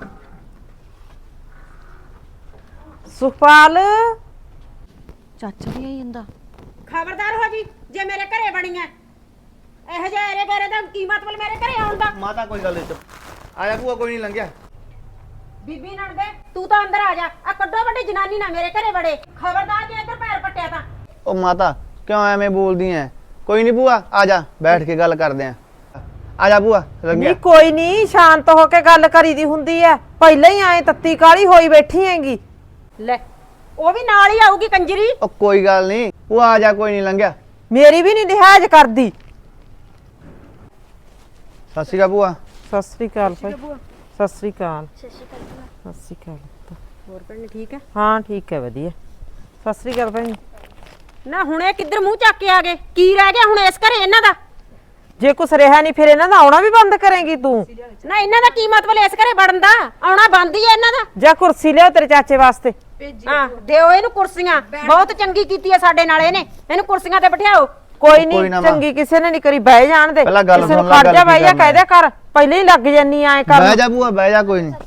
Speaker 2: ਸੁਖਪਾਲ।
Speaker 7: ਚਾਚਾ ਵੀ ਆਈ ਜਾਂਦਾ।
Speaker 6: ਖਬਰਦਾਰ ਹੋ ਜੀ ਜੇ ਮੇਰੇ ਘਰੇ ਬਣੀਆਂ ਇਹੋ ਜਿਹੇ ਏਰੇ ਗੇਰੇ ਦਾ ਕੀ ਮਤਲਬ ਮੇਰੇ ਘਰੇ ਆਉਣ ਦਾ?
Speaker 8: ਮਾਤਾ ਕੋਈ ਗੱਲ ਨਹੀਂ ਚੁੱਪ। ਆਇਆ ਭੂਆ ਕੋਈ ਨਹੀਂ ਲੰਘਿਆ।
Speaker 6: ਬੀਬੀ ਨਣਦੇ ਤੂੰ ਤਾਂ ਅੰਦਰ ਆ ਜਾ। ਆ ਕੱਢੋ ਵੱਡੀ ਜਨਾਨੀ ਨਾ ਮੇਰੇ ਘਰੇ ਵੜੇ। ਖਬਰਦਾਰ ਜੇ ਇੱਧਰ ਪੈਰ ਪੱਟਿਆ ਤਾਂ।
Speaker 8: ਉਹ ਮਾਤਾ ਕਿਉਂ ਐਵੇਂ ਬੋਲਦੀ ਐ? ਕੋਈ ਨਹੀਂ ਭੂਆ ਆ ਜਾ ਬੈਠ ਕੇ ਗੱਲ ਕਰਦੇ ਆ। ਆ ਜਾ ਭੂਆ ਲੰਘਿਆ।
Speaker 9: ਨਹੀਂ ਕੋਈ ਨਹੀਂ, ਸ਼ਾਂਤ ਹੋ ਕੇ ਗੱਲ ਕਰੀਦੀ ਹੁੰਦੀ ਐ। ਪਹਿਲਾਂ ਹੀ ਆਏ ਤੱਤੀ ਕਾਲੀ ਹੋਈ ਬੈਠੀ ਹੈਗੀ।
Speaker 6: ਲੈ ਉਹ ਵੀ ਨਾਲ ਹੀ ਆਊਗੀ ਕੰਜਰੀ।
Speaker 8: ਉਹ ਕੋਈ ਗੱਲ ਨਹੀਂ ਭੂਆ ਆ ਜਾ ਕੋਈ ਨਹੀਂ ਲੰਘਿਆ।
Speaker 9: ਮੇਰੀ ਵੀ ਨਹੀਂ ਲਿਹਾਜ਼ ਕਰਦੀ।
Speaker 8: ਸਤਿ ਸ਼੍ਰੀ ਅਕਾਲ ਭੂਆ।
Speaker 9: ਸਤਿ ਸ੍ਰੀ ਅਕਾਲ ਭਾਈ। ਸਤਿ ਸ੍ਰੀ ਅਕਾਲ। ਸਤਿ ਸ੍ਰੀ ਅਕਾਲ।
Speaker 6: ਹੋਰ ਭੈਣ ਠੀਕ ਹੈ?
Speaker 9: ਹਾਂ ਠੀਕ ਹੈ ਵਧੀਆ। ਸਤਿ ਸ੍ਰੀ ਅਕਾਲ ਭਾਈ।
Speaker 6: ਨਾ ਹੁਣ ਇਹ ਕਿੱਧਰ ਮੂੰਹ ਚੱਕ ਕੇ ਆ ਗਏ? ਕੀ ਰਹਿ ਗਿਆ ਹੁਣ ਇਸ ਘਰੇ ਇਹਨਾਂ ਦਾ?
Speaker 9: ਜੇ ਕੁਛ ਰਿਹਾ ਨਹੀਂ ਫਿਰ ਇਹਨਾਂ ਦਾ ਆਉਣਾ ਵੀ ਬੰਦ ਕਰੇਂਗੀ ਤੂੰ?
Speaker 6: ਨਾ ਇਹਨਾਂ ਦਾ ਕੀ ਮਤਲਬ ਇਸ ਘਰੇ ਵੜਨ ਦਾ? ਆਉਣਾ ਬੰਦ ਹੀ ਹੈ ਇਹਨਾਂ ਦਾ।
Speaker 9: ਜਾਂ ਕੁਰਸੀ ਲਿਆਓ ਤੇਰੇ ਚਾਚੇ ਵਾਸਤੇ।
Speaker 6: ਹਾਂ ਦਿਓ ਇਹਨੂੰ ਕੁਰਸੀਆਂ। ਬਹੁਤ ਚੰਗੀ ਕੀਤੀ ਹੈ ਸਾਡੇ ਨਾਲ ਇਹਨੇ। ਇਹਨੂੰ ਕੁਰਸੀਆਂ ਤੇ ਬਿਠਾਓ।
Speaker 9: ਕੋਈ
Speaker 8: ਕੋਈ
Speaker 9: ਨਹੀਂ
Speaker 8: ਨਾ ਮਾਂ।
Speaker 9: ਚੰਗੀ ਕਿਸੇ ਨੇ ਨਹੀਂ ਕਰੀ। ਬਹਿ ਜਾਣ ਦੇ।
Speaker 8: ਪਹਿਲਾਂ ਗੱਲ
Speaker 9: ਕਿਸੇ ਨੂੰ
Speaker 8: ਸੁਣ ਲੈ,
Speaker 9: ਖੜ
Speaker 8: ਗੱਲ
Speaker 9: ਜਾ
Speaker 8: ਕੀ
Speaker 9: ਬਹਿ ਜਾ
Speaker 8: ਕਰਨਾ
Speaker 9: ਕਹਿ ਦਿਆ ਕਰ। ਪਹਿਲਾਂ ਹੀ ਲੱਗ ਜਾਨੀ ਐ ਕਰ।
Speaker 8: ਬਹਿ ਜਾ ਭੂਆ ਬਹਿ ਜਾ ਕੋਈ ਨਹੀਂ।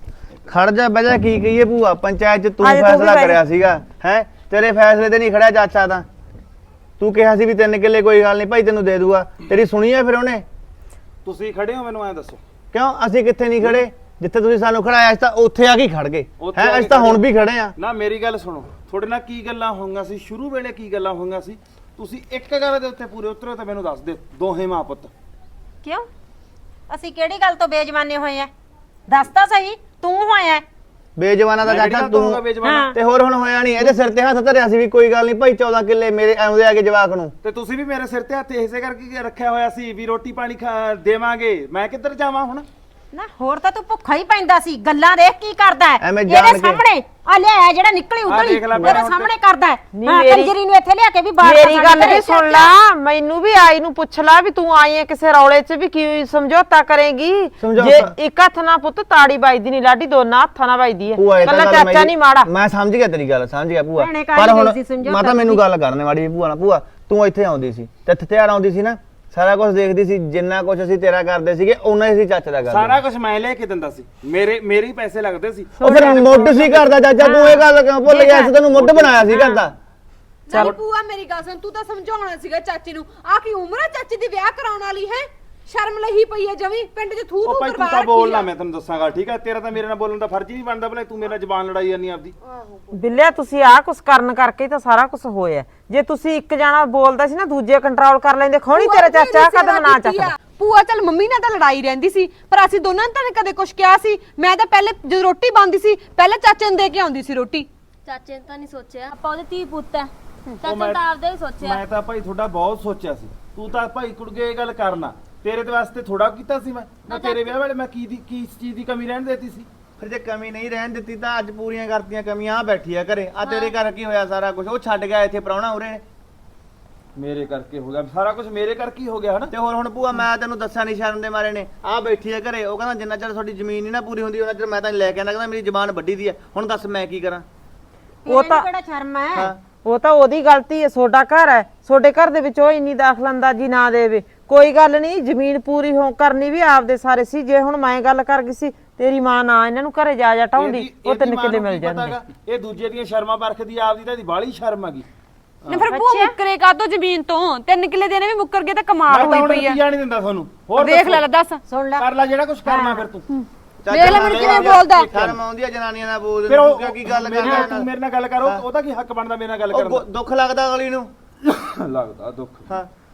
Speaker 8: ਖੜ ਜਾ ਬਹਿ ਜਾ ਕੀ ਕਹੀਏ ਭੂਆ? ਪੰਚਾਇਤ ਚ ਤੂੰ
Speaker 9: ਆ ਜਾ, ਤੂੰ ਵੀ
Speaker 8: ਫੈਸਲਾ
Speaker 9: ਬਹਿ ਜਾ।
Speaker 8: ਕਰਿਆ ਸੀਗਾ ਹੈ। ਤੇਰੇ ਫੈਸਲੇ ਤੇ ਨਹੀਂ ਖੜਿਆ ਚਾਚਾ ਤਾਂ। ਤੂੰ ਕਿਹਾ ਸੀ ਵੀ 3 ਕਿੱਲੇ ਕੋਈ ਗੱਲ ਨਹੀਂ ਭਾਈ ਤੈਨੂੰ ਦੇ ਦੂਗਾ। ਤੇਰੀ ਸੁਣੀ ਹੈ ਫਿਰ ਉਹਨੇ?
Speaker 1: ਤੁਸੀਂ ਖੜੇ ਹੋ ਮੈਨੂੰ ਐ ਦੱਸੋ।
Speaker 8: ਕਿਉਂ ਅਸੀਂ ਕਿੱਥੇ ਨਹੀਂ ਖੜੇ? ਜਿੱਥੇ ਤੁਸੀਂ ਸਾਨੂੰ ਖੜਾਇਆ ਅਸੀਂ ਤਾਂ ਉੱਥੇ ਆ ਕੇ ਖੜ ਗਏ
Speaker 1: ਉੱਥੇ
Speaker 8: ਹੈ।
Speaker 1: ਆ ਕੇ
Speaker 8: ਅਸੀਂ ਤਾਂ ਹੁਣ
Speaker 1: ਖੜੇ।
Speaker 8: ਵੀ ਖੜੇ ਆ।
Speaker 1: ਨਾ ਮੇਰੀ ਗੱਲ ਸੁਣੋ। ਤੁਹਾਡੇ ਨਾਲ ਕੀ ਗੱਲਾਂ ਹੋਈਆਂ ਸੀ ਸ਼ੁਰੂ ਵੇਲੇ? ਕੀ ਗੱਲਾਂ ਹੋਈਆਂ ਸੀ? ਤੁਸੀਂ ਇੱਕ ਗੱਲ ਦੇ ਉੱਤੇ ਪੂਰੇ ਉਤਰੋ ਤਾਂ ਮੈਨੂੰ ਦੱਸ ਦਿਓ। ਦੋਹੇ ਮਾਂ ਪੁੱਤ।
Speaker 6: ਕਿਉਂ ਅਸੀਂ ਕਿਹੜੀ ਗੱਲ ਤੋਂ ਬੇਜਮਾਨੇ ਹੋਏ ਆ? ਦੱਸ ਤਾਂ ਸਹੀ। ਤੂੰ ਹੋਇਆ
Speaker 8: ਬੇਜਵਾਨਾ ਦਾ
Speaker 1: ਮੈਂ
Speaker 8: ਚਾਚਾ
Speaker 1: ਕਿਹੜੀ ਗੱਲ ਤੋਂ
Speaker 8: ਤੂੰ।
Speaker 1: ਹੋਊਗਾ ਬੇਜ਼ੁਬਾਨ?
Speaker 8: ਤੇ ਹੋਰ ਹੁਣ ਹੋਇਆ ਨਹੀਂ। ਇਹਦੇ ਸਿਰ ਤੇ ਹੱਥ ਧਰਿਆ ਸੀ ਵੀ ਕੋਈ ਗੱਲ ਨਹੀਂ ਭਾਈ 14 ਕਿੱਲੇ ਮੇਰੇ ਆਉਂਦੇ ਆ ਕੇ ਜਵਾਕ ਨੂੰ।
Speaker 1: ਤੇ ਤੁਸੀਂ ਵੀ ਮੇਰੇ ਸਿਰ ਤੇ ਹੱਥ ਇਸੇ ਕਰਕੇ ਰੱਖਿਆ ਹੋਇਆ ਸੀ ਵੀ ਰੋਟੀ ਪਾਣੀ ਦੇਵਾਂਗੇ। ਮੈਂ ਕਿੱਧਰ ਜਾਵਾਂ ਹੁਣ?
Speaker 6: ਨਾ ਹੋਰ ਤਾਂ ਤੂੰ ਭੁੱਖਾ ਹੀ ਪੈਂਦਾ ਸੀ। ਗੱਲਾਂ ਦੇਖ ਕੀ ਕਰਦਾ ਹੈ
Speaker 8: ਐਵੇਂ ਜਾਣ
Speaker 6: ਇਹਦੇ
Speaker 8: ਕੇ।
Speaker 6: ਸਾਹਮਣੇ ਆ ਲਿਆ ਜਿਹੜਾ ਨਿਕਲੀ ਉਧਰ ਹੀ
Speaker 1: ਦੇਖ ਲੈ
Speaker 6: ਮੇਰੇ
Speaker 1: ਹੁਣ
Speaker 6: ਸਾਹਮਣੇ ਕਰਦਾ ਹੈ।
Speaker 9: ਨਹੀਂ
Speaker 6: ਹਾਂ,
Speaker 9: ਮੇਰੀ-
Speaker 6: ਕੰਜਰੀ ਨੂੰ ਇੱਥੇ ਲਿਆ ਕੇ ਵੀ ਬਾਹਰ
Speaker 9: ਮੇਰੀ ਗੱਲ ਵੀ ਸੁਣ ਲਾ। ਮੈਨੂੰ ਵੀ ਆਈ ਨੂੰ ਪੁੱਛ ਲਾ ਵੀ ਤੂੰ ਆਈ ਹੈ ਕਿਸੇ ਰੌਲੇ 'ਚ ਵੀ ਕੀ ਸਮਝੌਤਾ ਕਰੇਗੀ?
Speaker 8: ਸਮਝੌਤਾ?
Speaker 9: ਜੇ ਇੱਕ ਹੱਥ ਨਾਲ ਪੁੱਤ ਤਾੜੀ ਵੱਜਦੀ ਨਹੀਂ ਲਾਡੀ, ਦੋਨਾਂ ਹੱਥਾਂ ਨਾਲ ਵੱਜਦੀ ਹੈ।
Speaker 8: ਭੂਆ ਇਹ ਤਾਂ
Speaker 9: ਕੱਲਾ
Speaker 8: ਗੱਲ
Speaker 9: ਚਾਚਾ
Speaker 8: ਮੇਰੀ-
Speaker 9: ਨਹੀਂ ਮਾੜਾ।
Speaker 8: ਮੈਂ ਸਮਝ ਗਿਆ ਤੇਰੀ ਗੱਲ, ਸਮਝ ਗਿਆ ਭੂਆ।
Speaker 6: ਭੈਣੇ ਕਾਹਦੀ
Speaker 8: ਪਰ ਹੁਣ
Speaker 6: ਗਈ ਸੀ ਸਮਝੌਤਾ
Speaker 8: ਮਾਤਾ ਮੈਨੂੰ
Speaker 6: ਦੀ?
Speaker 8: ਗੱਲ ਕਰਨੇ ਵਾਲੀ ਭੂਆ ਨਾਲ। ਭੂਆ ਤੂੰ ਇੱਥੇ ਆਉਂਦੀ ਸੀ ਤੇ ਹਥਿਆਰ ਆਉਂਦੀ ਸੀ ਨਾ। ਸਾਰਾ ਕੁਝ ਦੇਖਦੀ ਸੀ। ਜਿੰਨਾ ਕੁਝ ਅਸੀਂ ਤੇਰਾ ਕਰਦੇ ਸੀਗੇ ਉਹਨਾਂ ਹੀ ਅਸੀਂ ਚਾਚਾ ਦਾ ਕਰਦੇ।
Speaker 1: ਸਾਰਾ ਕੁਝ ਮੈਂ ਲੈ ਕੇ ਦਿੰਦਾ ਸੀ। ਮੇਰੇ ਹੀ ਪੈਸੇ ਲੱਗਦੇ ਸੀ।
Speaker 8: ਉਹ ਫਿਰ ਮੁੱਢ ਸੀ ਕਰਦਾ ਚਾਚਾ। ਤੂੰ ਇਹ ਗੱਲ ਕਿਉਂ ਭੁੱਲ ਗਿਆ ਸੀ? ਤੈਨੂੰ ਮੁੱਢ ਬਣਾਇਆ ਸੀ ਕਰਦਾ।
Speaker 7: ਚੱਲ ਭੂਆ ਮੇਰੀ ਗੱਲ ਸੁਣ। ਤੂੰ ਤਾਂ ਸਮਝਾਉਣਾ ਸੀਗਾ ਚਾਚੇ ਨੂੰ। ਆ ਕੀ ਉਮਰ ਹੈ ਚਾਚੇ ਦੀ ਵਿਆਹ ਕਰਾਉਣ ਵਾਲੀ ਹੈ? ਸ਼ਰਮ ਲਈ ਪਈ ਹੈ ਜਮੀ। ਪਿੰਡ 'ਚ ਥੂ
Speaker 1: ਉਹ
Speaker 7: ਥੂ
Speaker 1: ਭਾਈ ਤੂੰ
Speaker 7: ਕਰਵਾ
Speaker 1: ਤਾਂ
Speaker 7: ਰੱਖੀ
Speaker 1: ਬੋਲਣਾ
Speaker 7: ਆ।
Speaker 1: ਮੈਂ ਤੈਨੂੰ ਦੱਸਾਂਗਾ ਠੀਕ ਹੈ। ਤੇਰਾ ਤਾਂ ਮੇਰੇ ਨਾਲ ਬੋਲਣ ਦਾ ਫਰਜ਼ ਹੀ ਨਹੀਂ ਬਣਦਾ। ਭਲੇ ਤੂੰ ਮੇਰੇ ਨਾਲ ਜ਼ਬਾਨ ਲੜਾਈ ਜਾਂਦੀ ਆਪਦੀ।
Speaker 9: ਬਿੱਲਿਆ ਤੁਸੀਂ ਆਹ ਕੁਛ ਕਰਨ ਕਰਕੇ ਹੀ ਤਾਂ ਸਾਰਾ ਕੁਝ ਹੋਇਆ। ਜੇ ਤੁਸੀਂ ਇੱਕ ਜਾਣਾ ਬੋਲਦਾ ਸੀ ਨਾ ਦੂਜੇ ਕੰਟਰੋਲ ਕਰ ਲੈਂਦੇ। ਖੋਣੀ ਤੇਰਾ ਚਾਚਾ ਕਦਮ ਨਾ ਚੱਕਦਾ।
Speaker 7: ਭੂਆ ਚੱਲ ਮੰਮੀ ਨਾਲ ਤਾਂ ਲੜਾਈ ਰਹਿੰਦੀ ਸੀ ਪਰ ਅਸੀਂ ਦੋਨਾਂ ਨੇ ਤਾਂ ਕਦੇ ਕੁਝ ਕਿਹਾ ਸੀ? ਮੈਂ ਤਾਂ ਪਹਿਲੇ ਜਦੋਂ ਰੋਟੀ ਬਣਦੀ ਸੀ ਪਹਿਲੇ ਚਾਚੇ ਨੂੰ ਦੇ ਕੇ ਆਉਂਦੀ ਸੀ ਰੋਟੀ।
Speaker 5: ਚਾਚੇ ਨੇ ਤਾਂ ਨਹੀਂ ਸੋਚਿਆ ਆਪਾਂ ਉਹਦੇ ਧੀ ਪੁੱਤ ਹੈ।
Speaker 1: ਉਹ
Speaker 5: ਚਾਚਾ
Speaker 1: ਮੈਂ-
Speaker 5: ਤਾਂ ਆਪਦੇ ਹੀ ਸੋਚਿਆ।
Speaker 1: ਮੈਂ ਤਾਂ ਭਾਈ ਤੁਹਾਡਾ ਬਹੁਤ ਸੋਚਿਆ ਸੀ। ਤੂੰ ਤਾਂ ਭਾਈ ਕੁੜਗੇ ਇਹ ਗੱਲ ਕਰਨਾ। ਤੇਰੇ ਦੇ ਵਾਸਤੇ ਥੋੜਾ ਕੀਤਾ ਸੀ ਮੈਂ ਤੇਰੇ ਵਿਆਹ ਵੇਲੇ ਮੈਂ ਕੀ ਚੀਜ਼ ਦੀ ਕਮੀ ਰਹਿਣ ਦੇਤੀ ਸੀ?
Speaker 8: ਫਿਰ ਜੇ ਕਮੀ ਨਹੀਂ ਰਹਿਣ ਦਿੱਤੀ ਤਾਂ ਅੱਜ ਪੂਰੀਆਂ ਕਰਤੀਆਂ ਕਮੀਆਂ। ਆ ਬੈਠੀ ਆ ਘਰੇ। ਆ ਤੇਰੇ ਘਰ ਕੀ ਹੋਇਆ? ਸਾਰਾ ਕੁਝ ਉਹ ਛੱਡ ਗਿਆ ਇੱਥੇ ਪ੍ਰਾਹੁਣਾ ਉਰੇ।
Speaker 1: ਮੇਰੇ ਕਰਕੇ ਹੋ ਗਿਆ ਸਾਰਾ ਕੁਝ। ਮੇਰੇ ਕਰਕੇ ਹੀ ਹੋ ਗਿਆ ਹਨਾ।
Speaker 8: ਤੇ ਹੋਰ ਹੁਣ ਭੂਆ ਮੈਂ ਤੈਨੂੰ ਦੱਸਿਆ ਨਹੀਂ ਸ਼ਰਮ ਦੇ ਮਾਰੇ ਨੇ। ਆ ਬੈਠੀ ਆ ਘਰੇ। ਉਹ ਕਹਿੰਦਾ ਜਿੰਨਾ ਚਿਰ ਤੁਹਾਡੀ ਜ਼ਮੀਨ ਨਹੀਂ ਨਾ ਪੂਰੀ ਹੁੰਦੀ ਉਹਨਾਂ ਚਿਰ ਮੈਂ ਤਾਂ ਲੈ ਕੇ ਆਂਦਾ। ਕਹਿੰਦਾ ਮੇਰੀ ਜ਼ਬਾਨ ਵੱਡੀ ਦੀ ਹੈ। ਹੁਣ ਦੱਸ ਮੈਂ ਕੀ ਕਰਾਂ?
Speaker 9: ਉਹ ਤਾਂ
Speaker 6: ਕਿਹੜਾ ਸ਼ਰਮ ਹੈ?
Speaker 8: ਹਾਂ
Speaker 9: ਉਹ ਤਾਂ ਉਹਦੀ ਗਲਤੀ ਹੈ। ਤੁਹਾਡਾ ਘਰ ਹੈ। ਤੁਹਾਡੇ ਘਰ ਦੇ ਵਿੱਚ ਉਹ ਇੰਨੀ ਦਾਖਲਅੰਦਾਜ਼ੀ ਨਾ ਦੇਵੇ। ਕੋਈ ਗੱਲ ਨਹੀਂ। ਜ਼ਮੀਨ ਪੂਰੀ ਹੋ ਕਰਨੀ ਵੀ ਆਪਦੇ ਸਾਰੇ ਸੀ। ਜੇ ਹੁਣ ਮੈਂ ਗੱਲ ਕਰ ਗਈ ਸੀ ਤੇਰੀ ਮਾਂ ਨਾ ਇਹਨਾਂ ਨੂੰ ਘਰੇ ਜਾ ਟਾਉਂਦੀ ਉਹ
Speaker 1: ਇਹਦੀ
Speaker 9: 3
Speaker 1: ਮਾਂ
Speaker 9: ਕਿੱਲੇ
Speaker 1: ਨੂੰ
Speaker 9: ਮਿਲ
Speaker 1: ਕੀ ਪਤਾ
Speaker 9: ਜਾਂਦੇ।
Speaker 1: ਗਾ? ਇਹ ਦੂਜੇ ਦੀਆਂ ਸ਼ਰਮਾਂ ਵਰਖਦੀ ਆਪਦੀ ਤਾਂ ਇਹਦੀ ਬਾਹਲੀ ਸ਼ਰਮ ਹੈਗੀ।
Speaker 7: ਨਾ ਫਿਰ ਭੂਆ ਮੁੱਕਰੇ ਕਾਹਤੋਂ ਜ਼ਮੀਨ ਤੋਂ? 3 ਕਿੱਲੇ ਦੇਣੇ ਵੀ ਮੁੱਕਰ ਗਏ ਤਾਂ ਕਮਾਲ
Speaker 1: ਮੈਂ ਤਾਂ
Speaker 7: ਹੋਈ
Speaker 1: ਹੁਣ
Speaker 7: ਪਈ ਆ।
Speaker 1: ਰੁਪਈਆ ਨਹੀਂ ਦਿੰਦਾ ਤੁਹਾਨੂੰ। ਹੋਰ
Speaker 7: ਦੇਖ ਲੈ ਦੱਸ।
Speaker 6: ਸੁਣ ਲੈ
Speaker 1: ਕਰ ਲੈ ਜਿਹੜਾ ਕੁਝ ਕਰਨਾ ਫਿਰ ਤੂੰ।
Speaker 7: ਦੇਖ ਲੈ ਮੈਨੂੰ ਕਿਵੇਂ ਬੋਲਦਾ।
Speaker 8: ਸ਼ਰਮ ਆਉਂਦੀ ਆ ਜਨਾਨੀਆਂ ਨਾਲ ਬੋਲਦੇ
Speaker 1: ਫਿਰ
Speaker 8: ਨੂੰ।
Speaker 1: ਉਹ
Speaker 8: ਤੂੰ ਕੀ ਗੱਲ
Speaker 1: ਮੇਰੇ ਨਾਲ
Speaker 8: ਕਰਦਾ?
Speaker 1: ਤੂੰ ਮੇਰੇ ਨਾਲ ਗੱਲ ਕਰੋ। ਉਹਦਾ ਕੀ ਹੱਕ ਬਣਦਾ ਮੇਰੇ ਨਾਲ ਗੱਲ ਕਰਨ ਦਾ?
Speaker 8: ਦੁੱਖ ਲੱਗਦਾ ਅਗਲੀ ਨੂੰ।
Speaker 1: ਲੱਗਦਾ ਦੁੱਖ।
Speaker 8: ਹਾਂ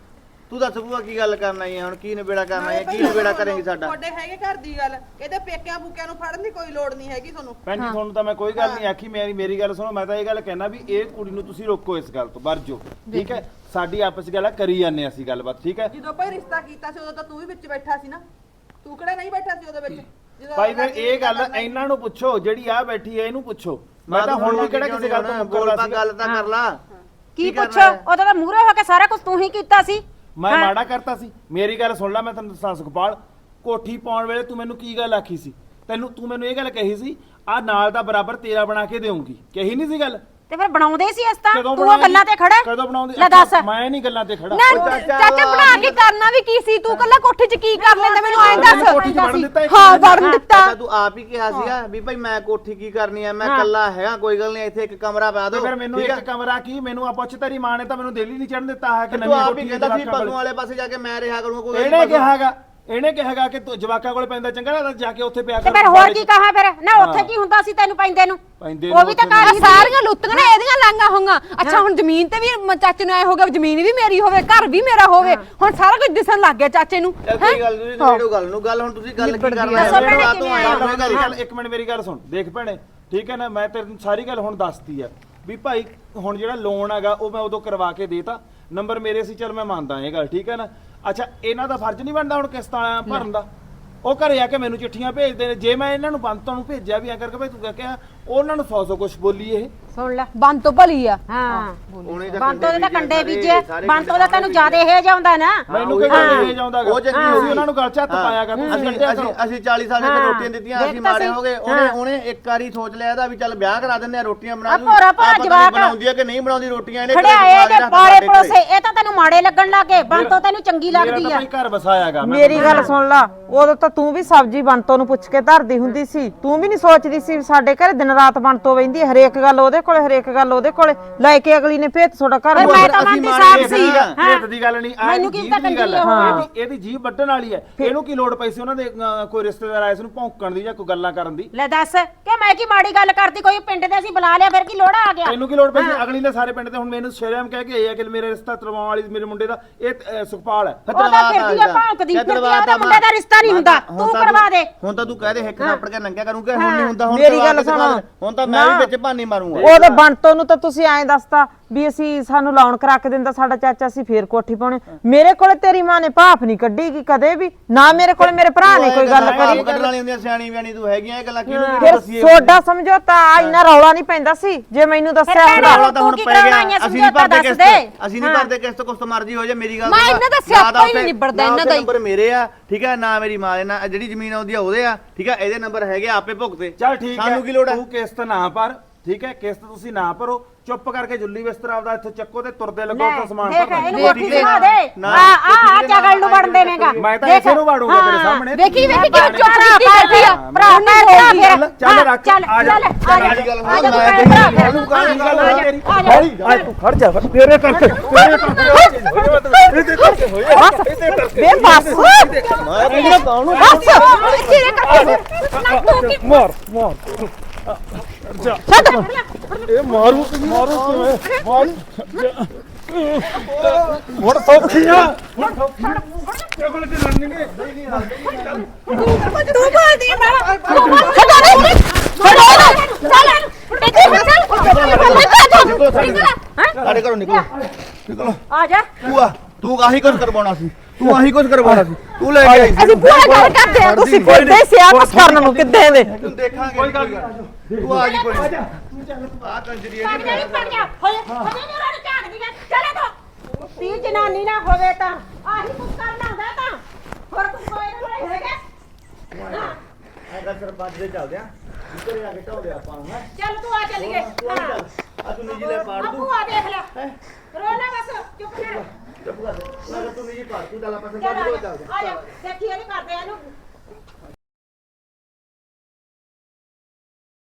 Speaker 8: ਤੂੰ ਦੱਸ ਭੂਆ ਕੀ ਗੱਲ ਕਰਨਾ ਹੈ ਹੁਣ, ਕੀ ਨਿਬੇੜਾ ਕਰਨਾ ਹੈ, ਕੀ ਨਿਬੇੜਾ ਕਰੇਂਗੀ ਸਾਡਾ?
Speaker 2: ਤੁਹਾਡੇ ਹੈਗੇ ਘਰ ਦੀ ਗੱਲ, ਇਹਦੇ ਪੇਕਿਆਂ ਫੂਕਿਆਂ ਨੂੰ ਫੜਨ ਦੀ ਕੋਈ ਲੋੜ ਨਹੀਂ ਹੈਗੀ ਤੁਹਾਨੂੰ।
Speaker 1: ਭੈਣ ਜੀ ਤੁਹਾਨੂੰ ਤਾਂ ਮੈਂ ਕੋਈ ਗੱਲ ਨਹੀਂ ਆਖੀ, ਮੇਰੀ ਗੱਲ ਸੁਣੋ। ਮੈਂ ਤਾਂ ਇਹ ਗੱਲ ਕਹਿਣਾ ਵੀ ਇਹ ਕੁੜੀ ਨੂੰ ਤੁਸੀਂ ਰੋਕੋ ਇਸ ਗੱਲ ਤੋਂ, ਵਰਜੋ, ਠੀਕ ਹੈ? ਸਾਡੀ ਆਪਸ ਵਿੱਚ ਗੱਲ ਕਰੀ ਜਾਂਦੇ ਅਸੀਂ ਗੱਲਬਾਤ, ਠੀਕ ਹੈ?
Speaker 2: ਜਦੋਂ ਭਾਈ ਰਿਸ਼ਤਾ ਕੀਤਾ ਸੀ ਉਦੋਂ ਤਾਂ ਤੂੰ ਵੀ ਵਿੱਚ ਬੈਠਾ ਸੀ ਨਾ, ਤੂੰ ਕਿਹੜਾ ਨਹੀਂ ਬੈਠਾ ਸੀ ਉਹਦੇ ਵਿੱਚ? ਜਦੋਂ
Speaker 1: ਭਾਈ ਫਿਰ ਇਹ ਗੱਲ ਇਹਨਾਂ ਨੂੰ ਪੁੱਛੋ, ਜਿਹੜੀ ਆ ਬੈਠੀ ਹੈ ਇਹਨੂੰ ਪੁੱਛੋ। ਮੈਂ ਤਾਂ ਹੁਣ ਵੀ ਕਿਹੜਾ ਕਿਸੇ ਗੱਲ ਤੋਂ
Speaker 8: ਬੋਲ
Speaker 1: ਮੁੱਕਰਦਾ
Speaker 8: ਪਾ,
Speaker 1: ਸੀ?
Speaker 8: ਗੱਲ ਤਾਂ ਕਰ ਲਾ।
Speaker 6: ਕੀ ਪੁੱਛੋ, ਉਹਦਾ ਤਾਂ ਮੂਹਰੇ ਹੋ ਕੇ ਸਾਰਾ ਕੁਝ ਤੂੰ ਹੀ ਕੀਤਾ ਸੀ।
Speaker 1: ਮੈਂ ਮਾੜਾ ਕਰਤਾ ਸੀ? ਮੇਰੀ ਗੱਲ ਸੁਣ ਲੈ, ਮੈਂ ਤੈਨੂੰ ਦੱਸਾਂ ਸੁਖਪਾਲ, ਕੋਠੀ ਪਾਉਣ ਵੇਲੇ ਤੂੰ ਮੈਨੂੰ ਕੀ ਗੱਲ ਆਖੀ ਸੀ? ਤੂੰ ਮੈਨੂੰ ਇਹ ਗੱਲ ਕਹੀ ਸੀ, ਆ ਨਾਲ ਦਾ ਬਰਾਬਰ ਤੇਰਾ ਬਣਾ ਕੇ ਦੇਊਂਗੀ, ਕਹੀ ਨਹੀਂ ਸੀ ਗੱਲ?
Speaker 6: ਤੇ ਫਿਰ ਬਣਾਉਂਦੇ ਸੀ ਇਸ ਤਾਂ
Speaker 1: ਕਦੋਂ
Speaker 6: ਤੂੰ ਉਹ
Speaker 1: ਬਣਾਉਂਦੀ?
Speaker 6: ਗੱਲਾਂ ਤੇ ਖੜਾ
Speaker 1: ਕਦੋਂ ਬਣਾਉਂਦੀ?
Speaker 6: ਲੈ ਦੱਸ।
Speaker 1: ਮੈਂ ਨਹੀਂ ਗੱਲਾਂ ਤੇ ਖੜਾ।
Speaker 7: ਨਾ ਚਾਚਾ ਬਣਾ ਕੇ ਕਰਨਾ ਵੀ ਕੀ ਸੀ? ਤੂੰ ਕੱਲਾ ਕੋਠੀ 'ਚ ਕੀ ਕਰ ਲੈਂਦਾ ਮੈਨੂੰ ਐਂ
Speaker 1: ਮੈਨੂੰ ਕੋਠੀ 'ਚ ਵੜਨ
Speaker 7: ਦੱਸ।
Speaker 1: ਦਿੱਤਾ ਇੱਕ
Speaker 7: ਹਾਂ
Speaker 1: ਮਿੰਟ?
Speaker 7: ਵੜਨ ਦਿੱਤਾ।
Speaker 8: ਅੱਛਾ ਤੂੰ ਆਪ ਹੀ ਕਿਹਾ ਸੀਗਾ ਵੀ ਭਾਈ ਮੈਂ ਕੋਠੀ ਕੀ ਕਰਨੀ ਹੈ, ਮੈਂ ਇਕੱਲਾ ਹੈਗਾ, ਕੋਈ ਗੱਲ ਨਹੀਂ, ਇੱਥੇ ਇੱਕ ਕਮਰਾ ਪਾ
Speaker 1: ਤੇ
Speaker 8: ਦਿਓ।
Speaker 1: ਫਿਰ ਮੈਨੂੰ ਇੱਕ ਕਮਰਾ ਕੀ, ਮੈਨੂੰ ਆ ਪੁੱਛ, ਤੇਰੀ ਮਾਂ ਨੇ ਤਾਂ ਮੈਨੂੰ ਦਿੱਲੀ ਨਹੀਂ ਚੜਨ ਦਿੱਤਾ ਹੈ ਕਿ
Speaker 8: ਤੂੰ
Speaker 1: ਨਵੀਂ
Speaker 8: ਆਪ
Speaker 1: ਕੋਠੀ
Speaker 8: ਹੀ
Speaker 1: ਦੇ
Speaker 8: ਕਹਿੰਦਾ ਸੀ
Speaker 1: ਜਵਾਕਾਂ
Speaker 8: ਪਸ਼ੂ
Speaker 1: ਕੋਲ।
Speaker 8: ਵਾਲੇ ਪਾਸੇ ਜਾ ਕੇ ਮੈਂ ਰਿਹਾ ਕਰੂੰਗਾ, ਕੋਈ
Speaker 1: ਇਹਨੇ ਕਿਹਾਗਾ, ਇਹਨੇ ਕਿਹਾਗਾ ਕਿ ਤੂੰ ਜਵਾਕਾਂ ਕੋਲੇ ਪੈਂਦਾ ਚੰਗਾ ਲੱਗਦਾ, ਜਾ ਕੇ ਉੱਥੇ ਪਿਆ
Speaker 6: ਤੇ
Speaker 1: ਕਰ।
Speaker 6: ਫਿਰ ਹੋਰ ਕੀ ਕਹਾ ਫਿਰ ਨਾ, ਉੱਥੇ ਕੀ ਹੁੰਦਾ ਸੀ ਤੈਨੂੰ ਪੈਂਦੇ ਨੂੰ? ਉਹ ਵੀ ਤਾਂ
Speaker 7: ਆਹ
Speaker 6: ਘਰ ਹੀ
Speaker 7: ਸਾਰੀਆਂ ਲੁੱਟੀਆਂ ਨੇ ਇਹਦੀਆਂ ਲਾਂਗਾ ਹੋਈਆਂ। ਅੱਛਾ ਹੁਣ ਜ਼ਮੀਨ ਤੇ ਵੀ ਚਾਚੇ ਨੂੰ ਐ ਹੋ ਗਿਆ ਵੀ ਜ਼ਮੀਨ ਵੀ ਮੇਰੀ ਹੋਵੇ, ਘਰ ਵੀ ਮੇਰਾ ਹੋਵੇ, ਹੁਣ ਸਾਰਾ ਕੁਝ ਦਿਸਣ ਲੱਗ ਗਿਆ ਚਾਚੇ ਨੂੰ।
Speaker 8: ਚੱਲ ਕੋਈ ਗੱਲ ਨਹੀਂ, ਨੇੜੋ ਗੱਲ ਨੂੰ ਗੱਲ, ਹੁਣ ਤੁਸੀਂ ਗੱਲ ਕੀ ਕਰਨਾ
Speaker 6: ਦੱਸੋ ਭੈਣੇ
Speaker 8: ਹੈ?
Speaker 6: ਕਿਵੇਂ ਆਏ ਹੋ?
Speaker 1: ਗੱਲ ਇੱਕ ਮਿੰਟ ਮੇਰੀ ਗੱਲ ਸੁਣ, ਦੇਖ ਭੈਣੇ, ਠੀਕ ਹੈ ਨਾ? ਮੈਂ ਤੈਨੂੰ ਸਾਰੀ ਗੱਲ ਹੁਣ ਦੱਸਤੀ ਆ ਵੀ ਭਾਈ ਹੁਣ ਜਿਹੜਾ ਲੋਨ ਹੈਗਾ ਉਹ ਮੈਂ ਉਦੋਂ ਕਰਵਾ ਕੇ ਦੇਤਾ, ਨੰਬਰ ਮੇਰੇ ਸੀ, ਚੱਲ ਮੈਂ ਮੰਨਦਾ ਇਹ ਗੱਲ, ਠੀਕ ਹੈ ਨਾ? ਅੱਛਾ ਇਹਨਾਂ ਦਾ ਫਰਜ਼ ਨਹੀਂ ਬਣਦਾ ਹੁਣ ਕਿਸ਼ਤਾਂ ਭਰਨ ਦਾ? ਉਹ ਘਰੇ ਆ ਕੇ ਮੈਨੂੰ ਚਿੱਠੀਆਂ ਭੇਜਦੇ ਨੇ, ਜੇ ਮੈਂ ਇਹਨਾਂ ਨੂੰ ਬੰਤੋਂ ਨੂੰ ਭੇਜਿਆ ਵੀ ਆ ਕਰਕੇ ਭਾਈ ਤੂੰ ਕਿਹਾ, ਉਹਨਾਂ ਨੂੰ 100 ਕੁਛ ਬੋਲੀ ਇਹ।
Speaker 6: ਸੁਣ ਲੈ
Speaker 7: ਬੰਦ ਤੋਂ ਭਲੀ ਆ।
Speaker 6: ਹਾਂ
Speaker 8: ਉਹਨੇ
Speaker 6: ਬੰਤੋ ਦੇ ਤਾਂ ਕੰਡੇ ਬੀਜੇ,
Speaker 8: ਸਾਰੇ
Speaker 6: ਬੰਤੋ ਦਾ ਤੈਨੂੰ ਜ਼ਿਆਦਾ ਇਹ ਜਾਉਂਦਾ ਨਾ।
Speaker 1: ਮੈਨੂੰ ਕਿਹੜਾ ਇਹ ਜਾਉਂਦਾ
Speaker 8: ਉਹ ਚੰਗੀ
Speaker 1: ਤੁਸੀਂ
Speaker 8: ਹੋਈ।
Speaker 1: ਉਹਨਾਂ ਨੂੰ ਗੱਲ 'ਚ ਹੱਥ ਪਾਇਆਗਾ, ਤੁਸੀਂ ਕੱਢਿਆ ਕਰੋ।
Speaker 8: ਅਸੀਂ 40 ਸਾਲ ਦੇ ਰੋਟੀਆਂ ਦਿੱਤੀਆਂ, ਅਸੀਂ
Speaker 6: ਦੇਖ ਤਾਂ
Speaker 8: ਮਾਰੇ
Speaker 6: ਸਹੀ।
Speaker 8: ਹੋ ਗਏ। ਉਹਨੇ ਇੱਕ ਵਾਰੀ ਸੋਚ ਲਿਆ ਇਹਦਾ ਵੀ ਚੱਲ ਵਿਆਹ ਕਰਾ ਦਿੰਦੇ ਆ, ਰੋਟੀਆਂ ਬਣਾ
Speaker 6: ਆ
Speaker 8: ਦੂ।
Speaker 6: ਭੋਰਾ ਭੋਰਾ ਜਵਾਕ
Speaker 8: ਬਣਾਉਂਦੀ ਹੈ ਕਿ ਨਹੀਂ ਬਣਾਉਂਦੀ ਰੋਟੀਆਂ, ਇਹਨੇ
Speaker 6: ਖੜਿਆ ਇਹ ਜੇ ਪਾਲੇ ਪੜੋਸੇ, ਇਹ ਤਾਂ ਤੈਨੂੰ ਮਾੜੇ ਲੱਗਣ ਲੱਗੇ, ਬੰਤੋ ਤੈਨੂੰ ਚੰਗੀ
Speaker 1: ਮੇਰਾ
Speaker 6: ਲੱਗਦੀ
Speaker 1: ਤਾਂ
Speaker 6: ਆ।
Speaker 1: ਭਾਈ ਘਰ ਵਸਾਇਆਗਾ।
Speaker 9: ਮੇਰੀ ਗੱਲ ਸੁਣ ਲਾ, ਉਦੋਂ ਤਾਂ ਤੂੰ ਵੀ ਸਬਜ਼ੀ ਬੰਤੋਂ ਨੂੰ ਪੁੱਛ ਕੇ ਧਰਦੀ ਹੁੰਦੀ ਸੀ, ਤੂੰ ਵੀ ਨਹੀਂ ਸੋਚਦੀ ਸੀ ਵੀ ਸਾਡੇ ਘਰੇ ਦਿਨ ਰਾਤ ਬੰਤੋਂ ਵਹਿੰਦੀ, ਹਰੇਕ ਗੱਲ ਉਹਦੇ ਕੋਲੇ, ਹਰੇਕ ਗੱਲ ਉਹਦੇ ਕੋਲੇ ਲੈ ਕੇ ਅਗਲੀ ਨੇ ਭੇਤ ਤੁਹਾਡਾ ਘਰ
Speaker 6: ਫਿਰ ਮੈਂ ਤਾਂ ਮੰਨਦੀ ਸਾਹਿਬ ਸੀ।
Speaker 1: ਭੇਤ ਦੀ ਗੱਲ ਨਹੀਂ,
Speaker 6: ਮੈਨੂੰ ਕੀ ਪਤਾ
Speaker 1: ਗੱਲ
Speaker 6: ਕੰਦੀ
Speaker 1: ਹੈ, ਇਹਦੀ ਜੀਭ ਵੱਢਣ ਵਾਲੀ ਹੈ। ਇਹਨੂੰ ਕੀ ਲੋੜ ਪਈ ਸੀ ਉਹਨਾਂ ਦੇ ਕੋਈ ਰਿਸ਼ਤੇਦਾਰ ਆਏ ਸੀ ਉਹਨੂੰ ਭੌਂਕਣ ਦੀ ਜਾਂ ਕੋਈ ਗੱਲਾਂ ਕਰਨ ਦੀ?
Speaker 6: ਲੈ ਦੱਸ ਕਿ ਮੈਂ ਕੀ ਮਾੜੀ ਗੱਲ ਕਰਤੀ, ਕੋਈ ਪਿੰਡ ਦੇ ਅਸੀਂ ਬੁਲਾ ਲਿਆ, ਫਿਰ ਕੀ ਲੋੜਾ ਆ ਗਿਆ?
Speaker 1: ਤੈਨੂੰ ਕੀ ਲੋੜ ਪਈ ਸੀ? ਅਗਲੀ ਨੇ ਸਾਰੇ ਪਿੰਡ ਤੇ ਹੁਣ ਮੈਨੂੰ ਸ਼ਰਮ ਕਹਿ ਕੇ ਆ ਕਿ ਮੇਰੇ ਰਿਸ਼ਤਾ ਤਰਵਾਉਣ ਵਾਲੀ ਮੇਰੇ ਮੁੰਡੇ ਦਾ ਇਹ ਸੁਖਪਾਲ ਹੈ।
Speaker 6: ਉਹ ਤਾਂ ਫਿਰਦੀ ਆ ਭੌਂਕਦੀ ਫਿਰਦੀ ਆ, ਉਹਦਾ ਮੁੰਡੇ ਦਾ ਰਿਸ਼ਤਾ ਨਹੀਂ ਹੁੰਦਾ, ਤੂੰ ਕਰਵਾ ਦੇ।
Speaker 8: ਹੁਣ ਤਾਂ ਤੂੰ ਕਹਿ ਦੇ ਹਿੱਕ ਥਾਪੜ ਕੇ ਨੰਗਿਆ ਕਰੂੰਗਾ, ਹੁਣ ਨਹੀਂ ਹੁੰਦਾ। ਹੁਣ
Speaker 9: ਮੇਰੀ
Speaker 8: ਕਰਵਾ
Speaker 9: ਗੱਲ
Speaker 8: ਕੇ ਦਿਖਾ ਦੇ।
Speaker 9: ਸੁਣੋ।
Speaker 8: ਹੁਣ ਤਾਂ ਮੈਂ ਵੀ ਵਿੱਚ ਭਾਨੀ ਮਾਰੂੰਗਾ।
Speaker 9: ਉਹਦੇ ਬੰਤੋਂ ਨੂੰ ਤਾਂ ਤੁਸੀਂ ਐਂ ਦੱਸਤਾ ਵੀ ਅਸੀਂ ਸਾਨੂੰ ਲਾਉਣ ਕਰਾ ਕੇ ਦਿੰਦਾ ਸਾਡਾ ਚਾਚਾ, ਸੀ ਫੇਰ ਕੋਠੀ ਪਾਉਣੇ। ਮੇਰੇ ਕੋਲੇ ਤੇਰੀ ਮਾਂ ਨੇ ਭਾਫ ਨਹੀਂ ਕੱਢੀਗੀ ਕਦੇ ਵੀ, ਨਾ ਮੇਰੇ ਕੋਲੇ ਮੇਰੇ ਭਰਾ ਨੇ ਕੋਈ ਗੱਲ ਕਰੀ।
Speaker 8: ਕੱਢਣ ਵਾਲੀ ਹੁੰਦੀਆਂ, ਸਿਆਣੀ ਬਿਆਣੀ ਤੂੰ ਹੈਗੀਆਂ, ਇਹ ਗੱਲਾਂ ਕਿਹਨੂੰ
Speaker 9: ਫਿਰ
Speaker 8: ਦੱਸੀਏ?
Speaker 9: ਸੋਡਾ ਸਮਝੌਤਾ ਇੰਨਾ ਰੌਲਾ ਨਹੀਂ ਪੈਂਦਾ ਸੀ ਜੇ ਮੈਨੂੰ ਦੱਸਿਆ
Speaker 6: ਫਿਰ
Speaker 9: ਹੁੰਦਾ।
Speaker 8: ਰੌਲਾ ਤਾਂ ਹੁਣ
Speaker 6: ਤੂੰ ਕੀ
Speaker 8: ਪੈ ਗਿਆ,
Speaker 6: ਕਰਾਉਣਾ,
Speaker 8: ਅਸੀਂ ਨਹੀਂ ਭਰਦੇ
Speaker 6: ਦੱਸ
Speaker 8: ਕਿਸ਼ਤ,
Speaker 6: ਦੇ।
Speaker 8: ਅਸੀਂ ਨਹੀਂ ਭਰਦੇ ਕਿਸ਼ਤ, ਕੁਛ ਮਰਜ਼ੀ ਹੋ ਜਾਏ। ਮੇਰੀ ਗੱਲ
Speaker 7: ਮੈਂ
Speaker 8: ਸੁਣ,
Speaker 7: ਇਹਨਾਂ ਦਾ
Speaker 8: ਨਾ
Speaker 7: ਸਿਆਪਾ
Speaker 8: ਤਾਂ
Speaker 7: ਹੀ ਨਹੀਂ
Speaker 8: ਉੱਥੇ-
Speaker 7: ਨਿਬੜਦਾ
Speaker 8: ਨਾ
Speaker 7: ਇਹਨਾਂ ਦਾ ਹੀ।
Speaker 8: ਨੰਬਰ ਮੇਰੇ ਆ, ਠੀਕ ਹੈ, ਨਾ ਮੇਰੀ ਮਾਂ ਦੇ, ਨਾ ਜਿਹੜੀ ਜ਼ਮੀਨ ਆਉਂਦੀ ਆ ਉਹਦੇ ਆ, ਠੀਕ ਹੈ, ਇਹਦੇ ਨੰਬਰ ਹੈਗੇ, ਆਪੇ ਭੁਗਤੇ।
Speaker 1: ਚੱਲ ਠੀਕ ਹੈ,
Speaker 8: ਸਾਨੂੰ ਕੀ ਲੋੜ ਹੈ?
Speaker 1: ਤੂੰ ਕਿਸ਼ਤ ਨਾ ਭਰ, ਠੀਕ ਹੈ? ਕਿਸ਼ਤ ਤੁਸੀਂ ਨਾ ਭਰੋ, ਚੁੱਪ ਕਰਕੇ ਜੁੱਲੀ ਬਿਸਤਰਾ ਆਪਦਾ ਇੱਥੇ ਚੱਕੋ ਤੇ ਤੁਰਦੇ ਲੱਗੋ, ਉੱਥੇ ਸਮਾਨ
Speaker 6: ਦੇਖ
Speaker 1: ਭਰਨਾ।
Speaker 6: ਇਹਨੂੰ ਕੋਠੀ ਸੁਣਾ ਦੇ,
Speaker 8: ਨਾ,
Speaker 6: ਆ ਜਗਲ ਨੂੰ ਵੜਨ ਦੇਵੇਂਗਾ।
Speaker 1: ਮੈਂ ਤਾਂ ਇਸੇ ਨੂੰ ਵਾੜੂੰਗਾ ਤੇਰੇ ਸਾਹਮਣੇ।
Speaker 7: ਵੇਖੀ ਵੇਖੀ ਕਿਵੇਂ ਚੁੱਪ
Speaker 6: ਭਰਾ
Speaker 7: ਕੀਤੀ ਬੈਠੀ ਆ।
Speaker 6: ਭਰਾ ਭਰਾ ਫਿਰ
Speaker 1: ਚੱਲ ਰੱਖ,
Speaker 6: ਚੱਲ
Speaker 1: ਆ ਜਾ।
Speaker 6: ਚੱਲ ਆ ਜਾ
Speaker 8: ਮੇਰੀ ਗੱਲ
Speaker 6: ਆ ਜਾ
Speaker 8: ਸੁਣ, ਮੈਂ
Speaker 6: ਤੂੰ
Speaker 8: ਤੇਰੀ
Speaker 6: ਭਰਾ
Speaker 8: ਗੱਲ
Speaker 6: ਫਿਰ।
Speaker 8: ਗੱਲ
Speaker 6: ਆ ਜਾ,
Speaker 8: ਤੇਰੀ।
Speaker 6: ਆ ਜਾ।
Speaker 1: ਤੂੰ ਖੜ ਜਾ, ਤੇਰੇ ਕਰਕੇ
Speaker 9: ਬੇ ਬਸ
Speaker 8: ਮੈਂ ਤੈਨੂੰ ਕਾਹਨੂੰ
Speaker 7: ਚਿਰੇ ਕਰਕੇ ਨਾ ਤੂੰ ਕੀ
Speaker 1: ਮਾਰ ਇਹ ਮਾਰੂ ਕਿਵੇਂ ਮਾਰੂ ਹੁਣ ਸੌਖੀ ਆ, ਹੁਣ ਸੌਖੀ ਆ। ਤੇਰੇ ਕੋਲ ਤੇ ਲੜਨੀ ਨਹੀਂ।
Speaker 7: ਤੂੰ ਬੋਲਦੀ ਹੈ ਮੈਂ ਛੱਡੋ ਨਹੀਂ ਛੱਡੋ ਚੱਲ
Speaker 8: ਸਾਡੇ ਘਰੋਂ ਨਿਕਲੋ, ਨਿਕਲੋ।
Speaker 6: ਆ ਜਾ
Speaker 8: ਤੂੰ ਆਹੀ ਕੁਝ ਕਰਵਾਉਣਾ ਸੀ, ਤੂੰ ਆਹੀ ਕੁਝ ਕਰਵਾਉਣਾ ਸੀ, ਤੂੰ ਲੈ ਕੇ ਆਈ ਸੀ।
Speaker 9: ਅਸੀਂ ਪੂਰਾ ਗੱਲ ਕਰਦੇ ਆ, ਤੁਸੀਂ ਫਿਰਦੇ ਸਿਆ ਕੁਛ ਕਰਨ ਨੂੰ ਕਿੱਦਾਂ ਦੇ।
Speaker 8: ਤੂੰ ਦੇਖਾਂਗੇ, ਕੋਈ ਗੱਲ ਨਹੀਂ, ਤੂੰ ਆ ਜੀ ਕੋਈ ਆ ਕੰਜਰੀ
Speaker 6: ਪੜ ਜਾ ਪੜ ਜਾ ਹੋਏ ਹੋਏ ਮੇਰਾ ਝਾੜ ਦੀ ਚਲੇ ਤੋ ਤੀ ਜਨਾਨੀ ਨਾ ਹੋਵੇ ਤਾਂ ਆਹੀ ਕੁਝ ਕਰਨਾ ਹੁੰਦਾ ਤਾਂ ਹੋਰ ਕੁਝ ਕੋਈ ਨਾ ਹੈਗਾ।
Speaker 8: ਐਦਾ ਸਰਪੰਚ ਦੇ ਚੱਲਦੇ ਆ, ਘਰੇ ਆ ਕੇ ਢਾਉਂਦੇ ਆਪਾਂ ਨੂੰ। ਹੈ
Speaker 6: ਚੱਲ ਤੂੰ ਆ ਚੱਲੀਏ
Speaker 8: ਆ ਤੂੰ ਨਿੱਜੀ ਲੈ ਪਾੜ ਦੂੰ,
Speaker 6: ਆਪੂ ਆ ਦੇਖ ਲੈ ਰੋ ਨਾ ਬਸ ਚੁੱਪ ਕਰ
Speaker 8: ਚੁੱਪ ਕਰ, ਮੈਂ ਤੂੰ ਨਿੱਜੀ ਪਾੜ ਤੂੰ, ਚੱਲ ਆਪਾਂ
Speaker 6: ਚੱਲ
Speaker 8: ਸਰਪੰਚ
Speaker 6: ਆ
Speaker 8: ਕੋਲ
Speaker 6: ਜਾ
Speaker 8: ਚੱਲਦੇ
Speaker 6: ਆ ਜਾ ਦੇਖੀ ਇਹ ਕਰਦੇ ਇਹਨੂੰ